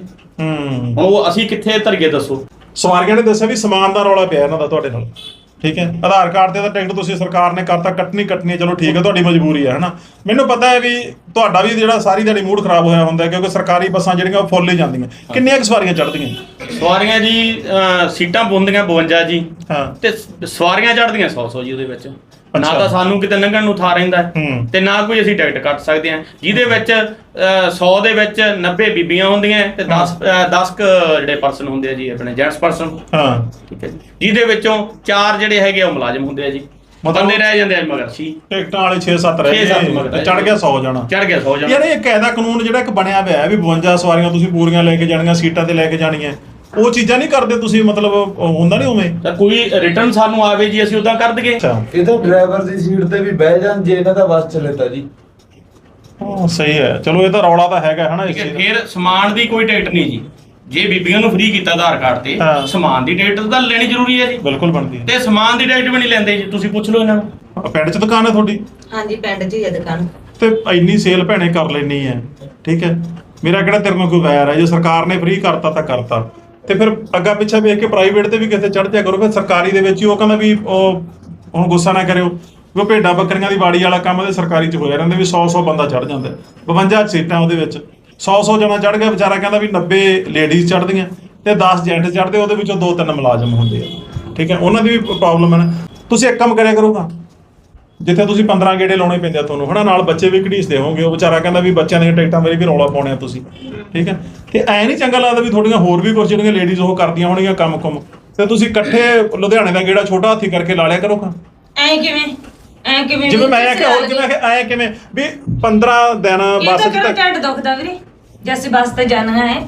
Speaker 4: ਉਹ ਅਸੀਂ ਕਿੱਥੇ ਧਰੀਏ ਦੱਸੋ?
Speaker 3: ਸਵਾਰੀਆਂ ਨੇ ਦੱਸਿਆ ਵੀ ਸਮਾਨ ਦਾ ਰੌਲਾ ਪਿਆ ਇਹਨਾਂ ਦਾ ਤੁਹਾਡੇ ਨਾਲ, ਠੀਕ ਹੈ। ਆਧਾਰ ਕਾਰਡ ਤੇ ਤਾਂ ਟਿਕਟ ਤੁਸੀਂ ਸਰਕਾਰ ਨੇ ਕਰਤਾ, ਕੱਟਣੀ ਹੈ, ਚਲੋ ਠੀਕ ਹੈ, ਤੁਹਾਡੀ ਮਜਬੂਰੀ ਹੈ, ਹਨਾ। ਮੈਨੂੰ ਪਤਾ ਹੈ ਵੀ ਤੁਹਾਡਾ ਵੀ ਜਿਹੜਾ ਸਾਰੀ ਦਿਹਾੜੀ ਮੂਡ ਖਰਾਬ ਹੋਇਆ ਹੁੰਦਾ, ਕਿਉਂਕਿ ਸਰਕਾਰੀ ਬੱਸਾਂ ਜਿਹੜੀਆਂ ਉਹ ਫੁੱਲ ਹੀ ਜਾਂਦੀਆਂ। ਕਿੰਨੀਆਂ ਕੁ ਸਵਾਰੀਆਂ ਚੜ੍ਹਦੀਆਂ?
Speaker 4: ਸਵਾਰੀਆਂ ਜੀ ਸੀਟਾਂ ਪੁੰਦੀਆਂ 52 ਜੀ,
Speaker 3: ਹਾਂ,
Speaker 4: ਤੇ ਸਵਾਰੀਆਂ ਚੜ੍ਹਦੀਆਂ 100 ਜੀ ਉਹਦੇ ਵਿੱਚ। ਨਾ ਤਾਂ ਸਾਨੂੰ ਕਿਤੇ ਲੰਘਣ ਨੂੰ ਥਾਂ ਰਹਿੰਦਾ ਤੇ ਨਾ ਕੋਈ ਅਸੀਂ ਟਿਕਟ ਕੱਟ ਸਕਦੇ ਹਾਂ, ਜਿਹਦੇ ਵਿੱਚ 100 ਦੇ ਵਿੱਚ 90 ਬੀਬੀਆਂ ਹੁੰਦੀਆਂ ਤੇ 10 ਜਿਹੜੇ ਪਰਸਨ ਹੁੰਦੇ ਆ ਜੀ ਆਪਣੇ ਜੈਂਟਸ ਪਰਸਨ।
Speaker 3: ਹਾਂ,
Speaker 4: ਠੀਕ ਹੈ ਜੀ, ਜਿਹਦੇ ਵਿੱਚੋਂ 4 ਜਿਹੜੇ ਹੈਗੇ ਉਹ ਮੁਲਾਜ਼ਮ ਹੁੰਦੇ ਆ ਜੀ। ਬੰਦੇ ਰਹਿ ਜਾਂਦੇ ਆ ਮਗਰ ਸੀ
Speaker 3: ਟਿਕਟਾਂ ਵਾਲੇ 6-7 ਰਹਿ
Speaker 4: 6-7
Speaker 3: ਗਏ
Speaker 4: ਮਗਰ
Speaker 3: ਚੜ ਗਿਆ 100 ਜਾਣਾ।
Speaker 4: ਚੜ ਗਿਆ 100 ਜਾਣਾ।
Speaker 3: ਯਾਰ ਇਹ ਕਾਇਦਾ ਕਾਨੂੰਨ ਜਿਹੜਾ ਇੱਕ ਬਣਿਆ ਹੋਇਆ ਹੈ ਵੀ 52 ਸਵਾਰੀਆਂ ਤੁਸੀਂ ਪੂਰੀਆਂ ਲੈ ਕੇ ਜਾਣੀਆਂ, ਸੀਟਾਂ ਤੇ ਲੈ ਕੇ ਜਾਣੀਆਂ, ਉਹ ਚੀਜ਼ਾਂ ਨਹੀਂ ਕਰਦੇ ਤੁਸੀਂ, ਮਤਲਬ ਹੁੰਦਾ ਨਹੀਂ ਉਵੇਂ।
Speaker 4: ਤਾਂ ਕੋਈ ਰਿਟਰਨ ਸਾਨੂੰ ਆਵੇ ਜੀ ਅਸੀਂ ਉਦਾਂ ਕਰ ਦਈਏ।
Speaker 3: ਅੱਛਾ
Speaker 8: ਇਹ ਤਾਂ ਡਰਾਈਵਰ ਦੀ ਸੀਟ ਤੇ ਵੀ ਬਹਿ ਜਾਣ ਜੇ ਇਹਨਾਂ ਦਾ ਬੱਸ ਚੱਲੇ ਤਾਂ ਜੀ।
Speaker 3: ਹਾਂ ਸਹੀ ਹੈ, ਚਲੋ ਇਹ ਤਾਂ ਰੌਲਾ ਤਾਂ ਹੈਗਾ ਹਨਾ।
Speaker 4: ਠੀਕ ਹੈ, ਫਿਰ ਸਮਾਨ ਦੀ ਕੋਈ ਟਿਕਟ ਨਹੀਂ ਜੀ। ਜੇ ਬੀਬੀਆਂ ਨੂੰ ਫ੍ਰੀ ਕੀਤਾ ਆਧਾਰ ਕਾਰਡ ਤੇ,
Speaker 3: ਹਾਂ।
Speaker 4: ਸਮਾਨ ਦੀ ਟਿਕਟ ਤਾਂ ਲੈਣੀ ਜ਼ਰੂਰੀ ਹੈ ਜੀ।
Speaker 3: ਬਿਲਕੁਲ ਬਣਦੀ ਹੈ।
Speaker 4: ਤੇ ਸਮਾਨ ਦੀ ਟਿਕਟ ਵੀ ਨਹੀਂ ਲੈਂਦੇ ਜੀ, ਤੁਸੀਂ ਪੁੱਛ ਲਓ ਇਹਨਾਂ ਨੂੰ।
Speaker 3: ਪਿੰਡ 'ਚ ਦੁਕਾਨ ਹੈ ਤੁਹਾਡੀ
Speaker 5: ਹਾਂਜੀ ਪਿੰਡ 'ਚ ਹੀ ਹੈ ਦੁਕਾਨ।
Speaker 3: ਤੇ ਇੰਨੀ ਸੇਲ ਭੈਣੇ ਕਰ ਲੈਣੀ ਹੈ, ਠੀਕ ਹੈ, ਮੇਰਾ ਕਿਹੜਾ ਤੇਰੇ ਨਾਲ ਕੋਈ ਵੈਰ ਹੈ। ਜੇ ਸਰਕਾਰ ਨੇ ਫ੍ਰੀ ਕਰਤਾ ਤਾਂ ਕਰਤਾ, ਤੇ ਫਿਰ ਅੱਗਾ ਪਿੱਛਾ ਵੇਖ ਕੇ ਪ੍ਰਾਈਵੇਟ ਤੇ ਵੀ ਕਿਤੇ ਚੜ ਜਾ ਕਰੋ। ਫਿਰ ਸਰਕਾਰੀ ਦੇ ਵਿੱਚ ਹੀ ਉਹ ਕਹਿੰਦਾ ਵੀ ਉਹ ਹੁਣ ਗੁੱਸਾ ਨਾ ਕਰਿਓ ਵੀ ਉਹ ਭੇਡਾਂ ਬੱਕਰੀਆਂ ਦੀ ਬਾੜੀ ਵਾਲਾ ਕੰਮ ਤੇ ਸਰਕਾਰੀ 'ਚ ਹੋਇਆ ਰਹਿੰਦਾ ਵੀ 100 ਬੰਦਾ ਚੜ ਜਾਂਦਾ, 52 ਸੀਟਾਂ ਉਹਦੇ ਵਿੱਚ 100 ਜਣਾ ਚੜ ਗਿਆ। ਵਿਚਾਰਾ ਕਹਿੰਦਾ ਵੀ 90 ਲੇਡੀਜ਼ ਚੜਦੀਆਂ ਤੇ 10 ਜੈਂਟ ਚੜਦੇ, ਉਹਦੇ ਵਿੱਚੋਂ 2-3 ਮੁਲਾਜ਼ਮ ਹੁੰਦੇ ਆ, ਠੀਕ ਹੈ, ਉਹਨਾਂ ਦੀ ਵੀ ਪ੍ਰੋਬਲਮ ਹੈ। ਤੁਸੀਂ ਇੱਕ ਕੰਮ ਕਰਿਆ ਕਰੋਗਾ, ਜਿੱਥੇ ਤੁਸੀਂ 15 ਗੇੜੇ ਲਾਉਣੇ ਪੈਂਦੇ ਆ ਤੁਹਾਨੂੰ ਹਨਾ, ਨਾਲ ਬੱਚੇ ਵੀ ਘੜੀਸਦੇ ਹੋਵੋਗੇ, ਉਹ ਵਿਚਾਰਾ ਕਹਿੰਦਾ ਵੀ ਬੱਚਿਆਂ ਦੀਆਂ ਟਿਕਟਾਂ ਮੇਰੀ ਵੀ ਰੌਲਾ ਪਾਉਣੇ ਆ ਤੁਸੀਂ, ਠੀਕ ਹੈ, ਤੇ ਐ ਨਹੀਂ ਚੰਗਾ ਲੱਗਦਾ ਵੀ ਤੁਹਾਡੀਆਂ ਹੋਰ ਵੀ ਕੁਝ ਜਿਹੜੀਆਂ ਲੇਡੀਜ਼ ਉਹ ਕਰਦੀਆਂ ਹੋਣਗੀਆਂ ਕੰਮ ਤੇ ਤੁਸੀਂ ਇਕੱਠੇ ਲੁਧਿਆਣੇ ਦਾ ਗੇੜਾ ਛੋਟਾ ਹਾਥੀ ਕਰਕੇ ਲਾ ਲਿਆ ਕਰੋਗਾ।
Speaker 5: ਐ ਕਿਵੇਂ
Speaker 3: ਜਿਵੇਂ ਮੈਂ ਆਖਿਆ ਹੋਰ ਕਿਵੇਂ ਐ ਕਿਵੇਂ ਵੀ 15 ਦਿਨ
Speaker 5: ਇਹ
Speaker 3: ਬੱਸ
Speaker 5: ਤਾਂ
Speaker 3: 'ਚ
Speaker 5: ਕਿਹੜਾ ਢਿੱਡ ਦੁਖਦਾ ਵੀਰੇ, ਜੈਸੇ ਬੱਸ ਤੇ ਜਾਣਾ ਹੈ।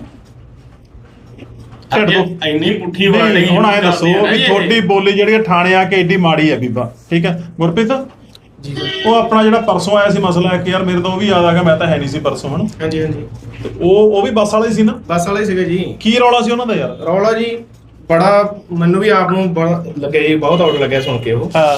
Speaker 3: ਢਿੱਡ ਤੋਂ
Speaker 4: ਇੰਨੀ ਪੁੱਠੀ ਬਣ ਰਹੀ
Speaker 3: ਹੁਣ ਐ ਦੱਸੋ ਵੀ ਤੁਹਾਡੀ ਬੋਲੀ ਜਿਹੜੀ ਠਾਣੇ ਆ ਕੇ ਏਡੀ ਮਾੜੀ ਹੈ ਬੀਬਾ, ਠੀਕ ਹੈ ਗੁਰਪ੍ਰੀਤ ਜੀ, ਉਹ ਆਪਣਾ ਜਿਹੜਾ ਪਰਸੋਂ ਆਇਆ ਸੀ ਮਸਲਾ ਹੈ ਕਿ ਯਾਰ ਮੇਰੇ ਤੋਂ ਉਹ ਵੀ ਯਾਦ ਆ ਗਿਆ, ਮੈਂ ਤਾਂ ਹੈ ਨਹੀਂ ਸੀ ਪਰਸੋਂ ਹਨਾ।
Speaker 9: ਹਾਂਜੀ ਹਾਂਜੀ
Speaker 3: ਤੇ ਉਹ ਵੀ ਬੱਸ ਵਾਲੇ ਸੀ ਨਾ,
Speaker 9: ਬੱਸ ਵਾਲੇ ਸੀਗੇ ਜੀ।
Speaker 3: ਕੀ ਰੌਲਾ ਸੀ ਉਹਨਾਂ ਦਾ ਯਾਰ?
Speaker 9: ਰੌਲਾ ਜੀ ਬੜਾ ਮੈਨੂੰ ਵੀ ਆਪ ਨੂੰ ਬੜਾ ਲੱਗਿਆ ਜੀ, ਬਹੁਤ ਆਊਟ ਲੱਗਿਆ ਸੁਣ ਕੇ। ਉਹ
Speaker 3: ਹਾਂ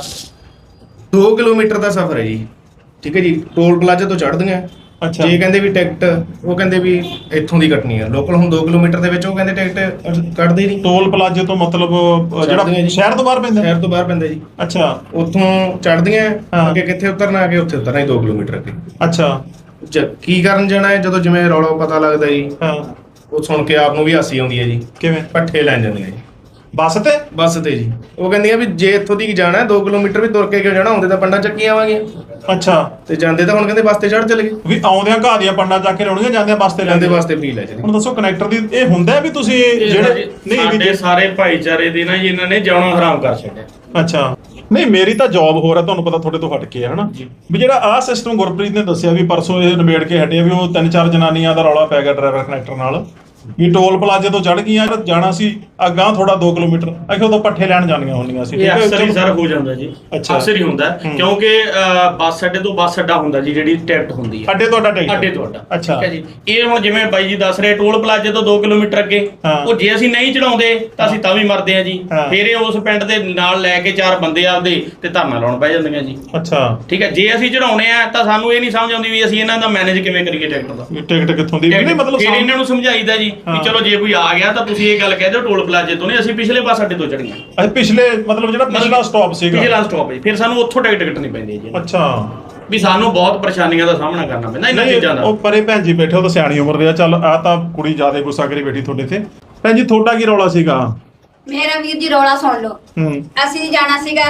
Speaker 9: 2 ਕਿਲੋਮੀਟਰ ਦਾ ਸਫ਼ਰ ਹੈ ਜੀ, ਠੀਕ ਹੈ ਜੀ, ਟੋਲ ਪਲਾਜ਼ਾ ਤੋਂ ਚੜ੍ਹਦੀਆਂ।
Speaker 3: ਅੱਛਾ
Speaker 9: ਜੇ ਕਹਿੰਦੇ ਵੀ ਟਿਕਟ, ਉਹ ਕਹਿੰਦੇ ਵੀ ਇੱਥੋਂ ਦੀ ਕੱਟਣੀ ਹੈ ਲੋਕਲ। ਹੁਣ 2 ਕਿਲੋਮੀਟਰ ਦੇ ਵਿੱਚ ਉਹ ਕਹਿੰਦੇ ਟਿਕਟ ਕੱਟਦੇ ਨਹੀਂ।
Speaker 3: ਟੋਲ ਪਲਾਜ਼ੇ ਤੋਂ ਮਤਲਬ
Speaker 9: ਚੜ੍ਹਦੀਆਂ
Speaker 3: ਜਿਹੜਾ
Speaker 9: ਜੀ।
Speaker 3: ਸ਼ਹਿਰ ਤੋਂ ਬਾਹਰ ਪੈਂਦਾ?
Speaker 9: ਸ਼ਹਿਰ ਤੋਂ ਬਾਹਰ ਪੈਂਦਾ ਜੀ।
Speaker 3: ਅੱਛਾ
Speaker 9: ਉੱਥੋਂ ਚੜ੍ਹਦੀਆਂ,
Speaker 3: ਹਾਂ।
Speaker 9: ਅੱਗੇ ਕਿੱਥੇ ਉਤਰਨਾ, ਅੱਗੇ ਉੱਥੇ ਉਤਰਨਾ ਹੀ 2 ਕਿਲੋਮੀਟਰ ਅੱਗੇ।
Speaker 3: ਅੱਛਾ
Speaker 9: ਕੀ ਕਰਨ ਜਾਣਾ ਹੈ? ਜਦੋਂ ਜਿਵੇਂ ਰੌਲਾ ਪਤਾ ਲੱਗਦਾ ਜੀ,
Speaker 3: ਹਾਂ
Speaker 9: ਉਹ ਸੁਣ ਕੇ ਆਪ ਨੂੰ ਵੀ ਹਾਸੀ ਆਉਂਦੀ ਹੈ ਜੀ।
Speaker 3: ਕਿਵੇਂ?
Speaker 9: ਪੱਠੇ ਲੈਣ ਜਾਂਦੀਆਂ ਜੀ
Speaker 3: ਬੱਸ ਤੇ?
Speaker 9: ਬੱਸ ਤੇ ਜੀ। ਉਹ ਕਹਿੰਦੀਆਂ ਵੀ ਜੇ ਇੱਥੋਂ ਦੀ ਜਾਣਾ 2 ਕਿਲੋਮੀਟਰ ਵੀ ਤੁਰ ਕੇ ਕਿਉਂ ਜਾਣਾ, ਹੁੰਦੇ ਤਾਂ ਪੰਡਾਂ ਚੱਕੀ ਆਵਾਂਗੇ।
Speaker 3: ਅੱਛਾ
Speaker 9: ਤੇ ਜਾਂਦੇ ਤਾਂ ਹੁਣ ਕਹਿੰਦੇ ਬੱਸ ਤੇ ਚੜ੍ਹ ਚਲੇ ਗਏ।
Speaker 3: ਵੀ ਆਉਂਦਿਆਂ ਘਾਹ ਦੀਆਂ ਪੰਡਾਂ ਚੱਕ ਕੇ ਲਾਉਣੀਆਂ, ਜਾਂਦਿਆਂ ਬੱਸ ਤੇ
Speaker 9: ਜਾਂਦੇ
Speaker 3: ਲੈਂਦੇ
Speaker 9: ਵਾਸਤੇ ਫ੍ਰੀ ਲੈ ਚਲੇ।
Speaker 3: ਹੁਣ ਦੱਸੋ ਕਨੈਕਟਰ ਦੀ ਇਹ ਹੁੰਦਾ ਵੀ ਤੁਸੀਂ ਜਿਹੜੇ ਨਹੀਂ ਵੀ
Speaker 4: ਸਾਡੇ ਸਾਰੇ ਭਾਈਚਾਰੇ ਦੇ ਨਾ ਜੀ ਇਹਨਾਂ ਨੇ ਜਾਣਾ ਹਰਾਮ ਕਰ ਛੱਡਿਆ।
Speaker 3: ਅੱਛਾ ਨਹੀਂ ਮੇਰੀ ਤਾਂ ਜੌਬ ਹੋਰ ਹੈ, ਤੁਹਾਨੂੰ ਪਤਾ ਤੁਹਾਡੇ ਤੋਂ ਹਟ ਕੇ ਹੈ ਹਨਾ, ਵੀ ਜਿਹੜਾ ਆਹ ਸਿਸਟਮ ਗੁਰਪ੍ਰੀਤ ਨੇ ਦੱਸਿਆ ਵੀ ਪਰਸੋਂ ਇਹ ਨਿਬੇੜ ਕੇ ਹਟਿਆ ਵੀ ਉਹ 3-4 ਜਨਾਨੀਆਂ ਦਾ ਰੌਲਾ ਪੈ ਗਿਆ ਡਰਾਈਵਰ ਕਨੈਕਟਰ ਨਾਲ ਵੀ ਟੋਲ ਪਲਾਜ਼ੇ ਤੋਂ ਚੜ ਗਈਆਂ, ਜਾਣਾ ਸੀ ਅੱਗਾਂ ਥੋੜਾ 2 ਕਿਲੋਮੀਟਰ, ਅਖੇ ਉਦੋਂ ਪੱਠੇ ਲੈਣ ਜਾਣੀਆਂ ਹੁੰਦੀਆਂ ਸੀ।
Speaker 4: ਇਹ ਅਕਸਰ ਹੀ ਸਰ ਹੋ ਜਾਂਦਾ ਜੀ,
Speaker 3: ਅੱਛਾ।
Speaker 4: ਅਕਸਰ ਹੀ ਹੁੰਦਾ ਕਿਉਂਕਿ ਬੱਸ ਅੱਡੇ ਤੋਂ ਬੱਸ ਅੱਡਾ ਹੁੰਦਾ ਜੀ, ਜਿਹੜੀ ਟਿਕਟ ਹੁੰਦੀ ਹੈ
Speaker 3: ਅੱਡੇ ਤੁਹਾਡਾ ਟਿਕਟ?
Speaker 4: ਅੱਡੇ ਤੋਂ ਅੱਡਾ।
Speaker 3: ਅੱਛਾ
Speaker 4: ਠੀਕ ਹੈ ਜੀ। ਇਹ ਹੁਣ ਜਿਵੇਂ ਬਾਈ ਜੀ ਦੱਸ ਰਹੇ ਟੋਲ ਪਲਾਜ਼ੇ ਤੋਂ 2 ਕਿਲੋਮੀਟਰ ਅੱਗੇ,
Speaker 3: ਹਾਂ।
Speaker 4: ਉਹ ਜੇ ਅਸੀਂ ਨਹੀਂ ਚੜਾਉਂਦੇ ਤਾਂ ਅਸੀਂ ਤਾਂ ਵੀ ਮਰਦੇ ਆ ਜੀ।
Speaker 3: ਹਾਂ।
Speaker 4: ਫਿਰ ਇਹ ਉਸ ਪਿੰਡ ਦੇ ਨਾਲ ਲੈ ਕੇ 4 ਬੰਦੇ ਆਪਦੇ ਤੇ ਧਰਨਾ ਲਾਉਣ ਪੈ ਜਾਂਦੀਆਂ ਜੀ।
Speaker 3: ਅੱਛਾ
Speaker 4: ਠੀਕ ਹੈ, ਜੇ ਅਸੀਂ ਚੜਾਉਣੇ ਆ ਤਾਂ ਸਾਨੂੰ ਇਹ ਨਹੀਂ ਸਮਝ ਆਉਂਦੀ ਵੀ ਅਸੀਂ ਇਹਨਾਂ ਦਾ ਮੈਨੇਜ ਕਿਵੇਂ ਕਰੀਏ ਟਿਕਟ ਦਾ।
Speaker 3: ਟਿਕਟ ਕਿੱਥੋਂ ਦੀ? ਨਹੀਂ ਮਤਲਬ
Speaker 4: ਫਿਰ ਇਹਨਾਂ ਨੂੰ ਸਮਝਾਈਦਾ ਜੀ
Speaker 3: ਹਾਂ।
Speaker 4: ਵੀ ਚਲੋ ਜੇ ਕੋਈ ਆ ਗਿਆ ਤਾਂ ਤੁਸੀਂ ਇਹ ਗੱਲ ਕਹਿ ਦਿਓ ਟੋਲ ਪਲਾਜ਼ੇ ਤੋਂ ਨਹੀਂ, ਅਸੀਂ ਪਿਛਲੇ ਬੱਸ ਅੱਡੇ ਤੋਂ ਚੜੀਆਂ।
Speaker 3: ਅੱਛਾ ਪਿਛਲੇ ਮਤਲਬ ਜਿਹੜਾ ਪਿਛਲਾ ਸਟਾਪ ਸੀਗਾ,
Speaker 4: ਪਿਛਲਾ ਸਟਾਪ ਹੈ, ਫਿਰ ਸਾਨੂੰ ਉੱਥੋਂ ਟਿਕਟ ਕੱਟਣੀ ਪੈਂਦੀ ਹੈ ਜੀ।
Speaker 3: ਅੱਛਾ
Speaker 4: ਵੀ ਸਾਨੂੰ ਬਹੁਤ ਪਰੇਸ਼ਾਨੀਆਂ ਦਾ ਸਾਹਮਣਾ ਕਰਨਾ ਪੈਂਦਾ ਇਹਨਾਂ
Speaker 3: ਨਹੀਂ
Speaker 4: ਚੀਜ਼ਾਂ ਦਾ।
Speaker 3: ਉਹ ਪਰੇ ਭੈਣ ਜੀ ਬੈਠੇ, ਉਹ ਤਾਂ ਸਿਆਣੀ ਉਮਰ ਦੇ ਆ। ਚੱਲ ਆ ਤਾਂ ਕੁੜੀ ਜ਼ਿਆਦਾ ਗੁੱਸਾ ਕਰੀ ਬੈਠੀ ਤੁਹਾਡੇ ਤੇ। ਭੈਣ ਜੀ ਤੁਹਾਡਾ ਕੀ ਰੌਲਾ ਸੀਗਾ?
Speaker 6: ਮੇਰਾ ਵੀਰ ਜੀ ਰੌਲਾ ਸੁਣ ਲਓ। ਅਸੀਂ ਜਾਣਾ ਸੀਗਾ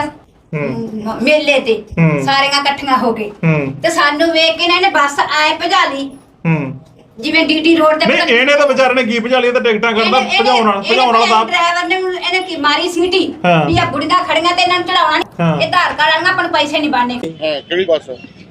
Speaker 6: ਮੇਲੇ ਤੇ, ਸਾਰੀਆਂ ਇਕੱਠੀਆਂ ਹੋ ਕੇ, ਤੇ ਸਾਨੂੰ ਵੇਖ ਕੇ ਨਾ ਇਹਨੇ ਬੱਸ ਆਏ ਭਜਾ ਲਈ, ਜਿਵੇਂ ਡੀਟੀ ਰੋਡ ਤੇ।
Speaker 3: ਨਹੀਂ ਇਹਨੇ ਤਾਂ ਵਿਚਾਰੇ ਨੇ ਕੀ ਭਜਾ ਲਈ, ਤਾਂ ਟਿਕਟਾਂ ਕਰਦਾ ਭਜਾਉਣ ਵਾਲਾ ਤਾਂ
Speaker 6: ਡਰਾਈਵਰ ਨੇ ਇਹਨੇ ਕੀ ਮਾਰੀ ਸੀਟੀ
Speaker 3: ਹਾਂ।
Speaker 6: ਵੀ ਆ ਬੁੜੀਆਂ ਖੜੀਆਂ ਤੇ ਇਹਨਾਂ ਨੂੰ ਚੜਾਉਣਾ
Speaker 3: ਹਾਂ।
Speaker 6: ਨਹੀਂ, ਇਹ ਆਧਾਰ ਕਾਰਡ ਵਾਲੀਆਂ ਆਪਾਂ ਨੂੰ ਪੈਸੇ ਨਹੀਂ ਬਣਨੇ।
Speaker 1: ਹਾਂ ਕਿਹੜੀ ਬੱਸ?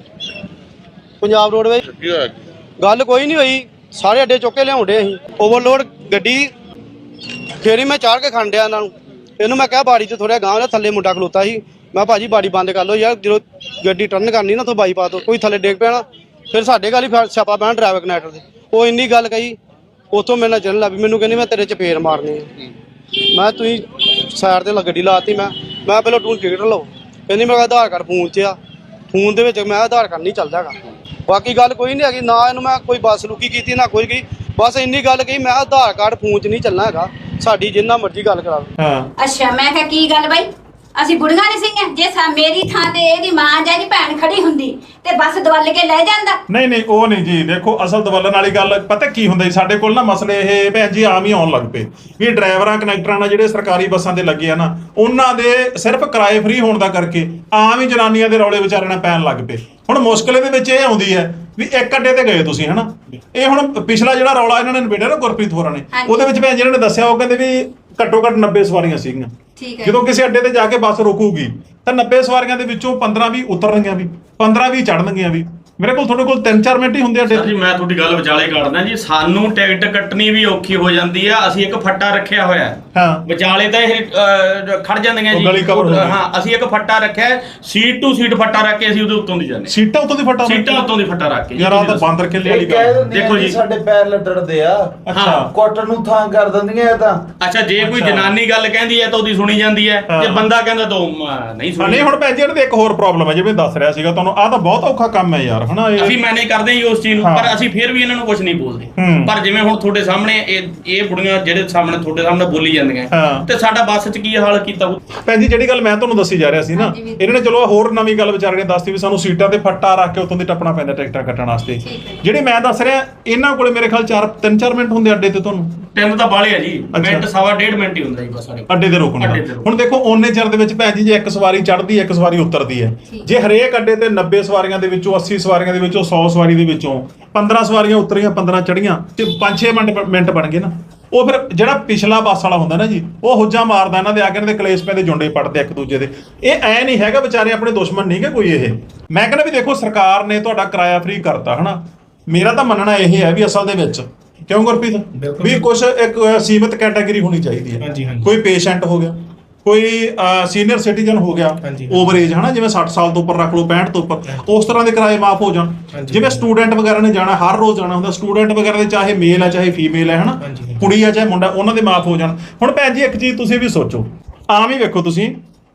Speaker 10: ਪੰਜਾਬ ਰੋਡਵੇਜ਼।
Speaker 1: ਕੀ ਹੋਇਆ?
Speaker 10: ਗੱਲ ਕੋਈ ਨਹੀਂ ਹੋਈ, ਸਾਰੇ ਅੱਡੇ ਚੁੱਕ ਕੇ ਲਿਆਉਂਦੇ ਅਸੀਂ ਓਵਰਲੋਡ ਗੱਡੀ। ਫੇਰ ਹੀ ਮੈਂ ਚਾੜ ਕੇ ਖੰਡਿਆ ਇਹਨਾਂ ਨੂੰ। ਇਹਨੂੰ ਮੈਂ ਕਿਹਾ ਬਾੜੀ ਤੇ ਥੋੜਾ ਗਾਂਹ ਥੱਲੇ ਮੁੰਡਾ ਖਲੋਤਾ ਸੀ, ਮੈਂ ਭਾਜੀ ਬਾੜੀ ਬੰਦ ਕਰ ਲਓ ਯਾਰ, ਜਦੋਂ ਗੱਡੀ ਟਰਨ ਕਰਨੀ ਨਾ ਤੋਂ ਬਾਈਪਾਸ ਤੋਂ ਕੋਈ ਥੱਲੇ ਡੇਗ ਪੈਣਾ, ਫਿਰ ਸਾਡੇ ਗੱਲ ਹੀ ਸਿਆਪਾ ਪੈਣਾ ਡਰਾਈਵਰ ਕਨੈਕਟਰ ਦੇ। ਉਹ ਇੰਨੀ ਗੱਲ ਕਹੀ, ਉੱਥੋਂ ਮੇਰੇ ਨਾਲ ਚੱਲਣ ਲੱਗ ਪਈ, ਮੈਨੂੰ ਕਹਿੰਦੀ ਮੈਂ ਤੇਰੇ ਚਪੇੜ ਮਾਰਨੀ ਆ। ਮੈਂ ਤੁਸੀਂ ਸਾਈਡ ਤੇ ਗੱਡੀ ਲਾਤੀ, ਮੈਂ ਪਹਿਲਾਂ ਤੂੰ ਟਿਕਟ ਲਓ। ਕਹਿੰਦੀ ਮੇਰਾ ਆਧਾਰ ਕਾਰਡ ਫੋਨ 'ਚ ਆ, ਫੋਨ ਦੇ ਵਿੱਚ ਮੈਂ ਆਧਾਰ ਕਾਰਡ ਨਹੀਂ ਚੱਲਦਾ ਹੈਗਾ। ਬਾਕੀ ਗੱਲ ਕੋਈ ਨਹੀਂ ਹੈਗੀ, ਨਾ ਇਹਨੂੰ ਮੈਂ ਕੋਈ ਬੱਸ ਲੁਕੀ ਕੀਤੀ ਨਾ ਕੋਈ, ਬਸ ਇੰਨੀ ਗੱਲ ਕਹੀ ਮੈਂ ਆਧਾਰ ਕਾਰਡ ਫੋਨ 'ਚ ਨਹੀਂ ਚੱਲਣਾ ਹੈਗਾ, ਸਾਡੀ ਜਿੰਨਾ ਮਰਜ਼ੀ ਗੱਲ ਕਰਾ ਲਓ।
Speaker 3: ਹਾਂ
Speaker 6: ਅੱਛਾ ਮੈਂ ਕਿਹਾ ਕੀ ਗੱਲ ਬਾਈ, ਅਸੀਂ ਬੁੜੀਆਂ ਨਹੀਂ ਸੀਗੀਆਂ? ਜੇ ਮੇਰੀ ਥਾਂ ਤੇ ਇਹਦੀ ਮਾਂ ਜਾਂ ਇਹਦੀ ਭੈਣ ਖੜੀ ਹੁੰਦੀ ਤੇ ਬੱਸ ਦਵਲ ਕੇ ਲੈ ਜਾਂਦਾ।
Speaker 3: ਨਹੀਂ ਉਹ ਨਹੀਂ ਜੀ, ਦੇਖੋ ਅਸਲ ਦਵਲਣ ਵਾਲੀ ਗੱਲ ਪਤਾ ਕੀ ਹੁੰਦਾ ਜੀ, ਸਾਡੇ ਕੋਲ ਨਾ ਮਸਲੇ ਇਹ ਭੈਣ ਜੀ ਆਮ ਹੀ ਆਉਣ ਲੱਗ ਪਏ ਵੀ ਡਰਾਈਵਰਾਂ ਕਨੈਕਟਰਾਂ ਨਾਲ ਜਿਹੜੇ ਸਰਕਾਰੀ ਬੱਸਾਂ ਤੇ ਲੱਗੇ ਆ ਨਾ, ਉਹਨਾਂ ਦੇ ਸਿਰਫ ਕਿਰਾਏ ਫ੍ਰੀ ਹੋਣ ਦਾ ਕਰਕੇ ਆਮ ਹੀ ਜਨਾਨੀਆਂ ਦੇ ਰੌਲੇ ਵਿਚਾਰਿਆਂ ਨਾਲ ਪੈਣ ਲੱਗ ਪਏ। ਹੁਣ ਮੁਸ਼ਕਿਲ ਇਹਦੇ ਵਿੱਚ ਇਹ ਆਉਂਦੀ ਹੈ ਵੀ ਇੱਕ ਅੱਡੇ ਤੇ ਗਏ ਤੁਸੀਂ ਹਨਾ, ਇਹ ਹੁਣ ਪਿਛਲਾ ਜਿਹੜਾ ਰੌਲਾ ਇਹਨਾਂ ਨੇ ਨਿਬੇੜਿਆ ਨਾ ਗੁਰਪ੍ਰੀਤ ਹੋਰਾਂ ਨੇ, ਉਹਦੇ ਵਿੱਚ ਭੈਣ ਜੀ ਇਹਨਾਂ ਨੇ ਦੱਸਿਆ, ਉਹ ਕਹਿੰਦੇ ਵੀ ਘੱਟੋ ਘੱਟ 90 ਸਵਾਰੀਆਂ ਸੀਗੀਆਂ,
Speaker 6: ਠੀਕ ਹੈ।
Speaker 3: ਜਦੋਂ ਕਿਸੇ ਅੱਡੇ ਤੇ ਜਾ ਕੇ ਬੱਸ ਰੁਕੂਗੀ ਤਾਂ 90 ਸਵਾਰੀਆਂ ਦੇ ਵਿੱਚੋਂ 15-20 ਉਤਰਨਗੀਆਂ ਵੀ, 15-20 ਚੜਨਗੀਆਂ ਵੀ। ਮੇਰੇ ਕੋਲ ਤੁਹਾਡੇ ਕੋਲ 3-4 ਮਿੰਟ ਹੀ ਹੁੰਦੇ ਅੱਡੇ
Speaker 4: ਸਰ ਜੀ ਮੈਂ ਤੁਹਾਡੀ ਗੱਲ ਵਿਚਾਲੇ ਕੱਢਦਾ ਜੀ। ਸਾਨੂੰ ਟਿਕਟ ਕੱਟਣੀ ਵੀ ਔਖੀ ਹੋ ਜਾਂਦੀ ਆ। ਅਸੀਂ ਇੱਕ ਫੱਟਾ ਰੱਖਿਆ ਹੋਇਆ ਹੈ।
Speaker 3: ਹਾਂ।
Speaker 4: ਵਿਚਾਲੇ ਤਾਂ ਇਹ ਖੜ ਜਾਂਦੀਆਂ
Speaker 3: ਉਹ
Speaker 4: ਜੀ।
Speaker 3: ਗਲੀ cover ਹੋ ਗਈ।
Speaker 4: ਹਾਂ, ਅਸੀਂ ਇੱਕ ਫੱਟਾ ਰੱਖਿਆ ਹੈ, ਸੀਟ ਟੂ ਸੀਟ ਫੱਟਾ ਰੱਖ ਕੇ ਅਸੀਂ ਉਹਦੇ ਉੱਤੋਂ ਦੀ ਜਾਂਦੇ।
Speaker 3: ਸੀਟਾਂ ਉੱਤੋਂ ਦੀ ਫੱਟਾ
Speaker 4: ਸੀਟਾਂ ਉੱਤੋਂ ਦੀ ਫੱਟਾ ਰੱਖ ਕੇ।
Speaker 3: ਯਾਰ ਆਹ ਤਾਂ ਬਾਂਦਰ ਕਿੱਲੇ ਵਾਲੀ
Speaker 8: ਕਹਿ
Speaker 3: ਗੱਲ।
Speaker 8: ਦਿੰਦੀਆਂ
Speaker 4: ਦੇਖੋ ਜੀ।
Speaker 8: ਸਾਡੇ ਪੈਰ ਲੱਟੜਦੇ ਆ।
Speaker 3: ਅੱਛਾ।
Speaker 8: ਕੁੱਟ ਨੂੰ ਥਾਂ ਕਰ ਦਿੰਦੀਆਂ ਇਹ ਤਾਂ।
Speaker 4: ਅੱਛਾ, ਜੇ ਕੋਈ ਜਨਾਨੀ ਗੱਲ ਕਹਿੰਦੀ ਹੈ ਤਾਂ ਉਹਦੀ ਸੁਣੀ ਜਾਂਦੀ ਹੈ, ਜੇ ਬੰਦਾ ਕਹਿੰਦਾ ਤਾਂ ਨਹੀਂ ਸੁਣੀ।
Speaker 3: ਨਹੀਂ ਹੁਣ ਭੈਣ ਜੀ ਇਹਦੇ ਇੱਕ ਹੋਰ ਪ੍ਰੋਬਲਮ ਹੈ, ਜਿਵੇਂ ਦੱਸ ਰਿਹਾ ਸੀਗਾ ਤੁਹਾਨੂੰ, ਆਹ ਤਾਂ ਬਹੁਤ ਔਖਾ ਕੰਮ ਹੈ ਯਾਰ, ਹਨਾ।
Speaker 4: ਅਸੀਂ ਮੈਨੇਜ ਕਰਦੇ ਹਾਂ ਜੀ ਉਸ ਚੀਜ਼ ਨੂੰ, ਪਰ ਅਸੀਂ ਫਿਰ ਵੀ ਇਹਨਾਂ ਨੂੰ ਕੁਝ ਨਹੀਂ ਬੋਲਦੇ। ਪਰ ਜਿਵੇਂ ਹੁਣ ਤੁਹਾਡੇ ਸਾਹਮਣੇ ਇਹ ਬੁੜੀਆਂ ਜਿਹੜੇ ਸਾਹਮਣੇ ਤੁਹਾਡੇ ਸਾਹਮਣੇ ਬੋਲੀ ਜਾਂਦੀਆਂ, ਤੇ ਸਾਡਾ ਬੱਸ 'ਚ ਕੀ ਹਾਲ ਕੀਤਾ।
Speaker 3: ਭੈਣ ਜੀ ਜਿਹੜੀ ਗੱਲ ਮੈਂ ਤੁਹਾਨੂੰ ਦੱਸੀ ਜਾ ਰਿਹਾ ਸੀ ਨਾ, ਇਹਨਾਂ ਨੇ ਚਲੋ ਹੋਰ ਨਵੀਂ ਗੱਲ ਵਿਚਾਰੇ ਨੇ ਦੱਸਤੀ ਵੀ ਸਾਨੂੰ ਸੀਟਾਂ ਤੇ ਫੱਟਾ ਰੱਖ ਕੇ ਉੱਤੋਂ ਦੀ ਟੱਪਣਾ ਪੈਂਦਾ ਟਿਕਟਾਂ ਕੱਟਣ ਵਾਸਤੇ। ਜਿਹੜੇ ਮੈਂ ਦੱਸ ਰਿਹਾ ਇਹਨਾਂ ਕੋਲੇ ਮੇਰੇ ਖਿਆਲ 3-4 ਮਿੰਟ ਹੁੰਦੇ ਅੱਡੇ ਤੇ। ਤੁਹਾਨੂੰ
Speaker 4: 3 ਤਾਂ ਬਾਲੇ ਆ ਜੀ, ਮਿੰਟ ਸਵਾ ਡੇਢ ਮਿੰਟ ਹੀ ਹੁੰਦਾ ਜੀ ਬਸ ਸਾਡੇ
Speaker 3: ਅੱਡੇ ਤੇ ਰੁਕਣ ਦਾ। ਹੁਣ ਦੇਖੋ ਓਨੇ ਚਿਰ ਦੇ ਵਿੱਚ ਭੈਣ ਜੀ ਜੇ ਇੱਕ ਸਵਾਰੀ ਚੜ੍ਹਦੀ ਹੈ ਇੱਕ ਸਵਾਰੀ ਉਤਰਦੀ ਹੈ, ਜੇ ਹਰੇਕ ਅੱਡੇ ਤੇ 90 ਸਵਾਰੀਆਂ ਦੇ ਵਿੱਚੋਂ 80 ਸਵਾਰੀਆਂ ਦੇ ਵਿੱਚੋਂ 100 ਸਵਾਰੀ ਦੇ ਵਿੱਚੋਂ 15 ਸਵਾਰੀਆਂ ਉਤਰੀਆਂ 15 ਚੜ੍ਹੀਆਂ ਤੇ 5-6 ਮਿੰਟ ਬਣ ਗਏ ਨਾ। ਉਹ ਫਿਰ ਜਿਹੜਾ ਪਿਛਲਾ ਬੱਸ ਵਾਲਾ ਹੁੰਦਾ ਨਾ ਜੀ, ਉਹ ਹੁੱਜਾ ਮਾਰਦਾ ਇਹਨਾਂ ਦੇ ਆ ਕੇ ਇਹਨਾਂ ਦੇ ਕਲੇਸ਼ ਪੈਂਦੇ, ਜੁੰਡੇ ਪੜਦੇ ਇੱਕ ਦੂਜੇ ਦੇ। ਇਹ ਐ ਨਹੀਂ ਹੈਗਾ ਵਿਚਾਰੇ ਆਪਣੇ ਦੁਸ਼ਮਣ ਨਹੀਂ ਗੇ ਕੋਈ। ਇਹ ਮੈਂ ਕਹਿੰਦਾ ਵੀ ਦੇਖੋ ਸਰਕਾਰ ਨੇ ਤੁਹਾਡਾ ਕਿਰਾਇਆ ਫ੍ਰੀ ਕਰਤਾ, ਹਨਾ। ਮੇਰਾ ਤਾਂ ਮੰਨਣਾ ਇਹ ਹੈ ਵੀ ਅਸਲ ਦੇ ਵਿੱਚ ਕਿਉਂ ਗੁਰਪ੍ਰੀਤ ਵੀ ਕੁਝ ਇੱਕ ਸੀਮਿਤ ਕੈਟਾਗਰੀ ਹੋਣੀ ਚਾਹੀਦੀ ਹੈ। ਕੋਈ ਪੇਸ਼ੈਂਟ ਹੋ ਗਿਆ, ਕੋਈ ਸੀਨੀਅਰ ਸਿਟੀਜ਼ਨ ਹੋ ਗਿਆ, ਓਵਰ ਏਜ, ਹਨਾ, ਜਿਵੇਂ 60 ਸਾਲ ਤੋਂ ਉੱਪਰ ਰੱਖ ਲਓ, 65 ਤੋਂ ਉੱਪਰ, ਉਸ ਤਰ੍ਹਾਂ ਦੇ ਕਿਰਾਏ ਮਾਫ ਹੋ ਜਾਣ। ਜਿਵੇਂ ਸਟੂਡੈਂਟ ਵਗੈਰਾ ਨੇ ਜਾਣਾ, ਹਰ ਰੋਜ਼ ਜਾਣਾ ਹੁੰਦਾ, ਸਟੂਡੈਂਟ ਵਗੈਰਾ ਦੇ ਚਾਹੇ ਮੇਲ ਹੈ ਚਾਹੇ ਫੀਮੇਲ ਹੈ, ਹਨਾ, ਕੁੜੀ ਹੈ ਚਾਹੇ ਮੁੰਡਾ, ਉਹਨਾਂ ਦੇ ਮਾਫ ਹੋ ਜਾਣ। ਹੁਣ ਭੈਣ ਜੀ ਇੱਕ ਚੀਜ਼ ਤੁਸੀਂ ਵੀ ਸੋਚੋ, ਆਮ ਹੀ ਵੇਖੋ ਤੁਸੀਂ,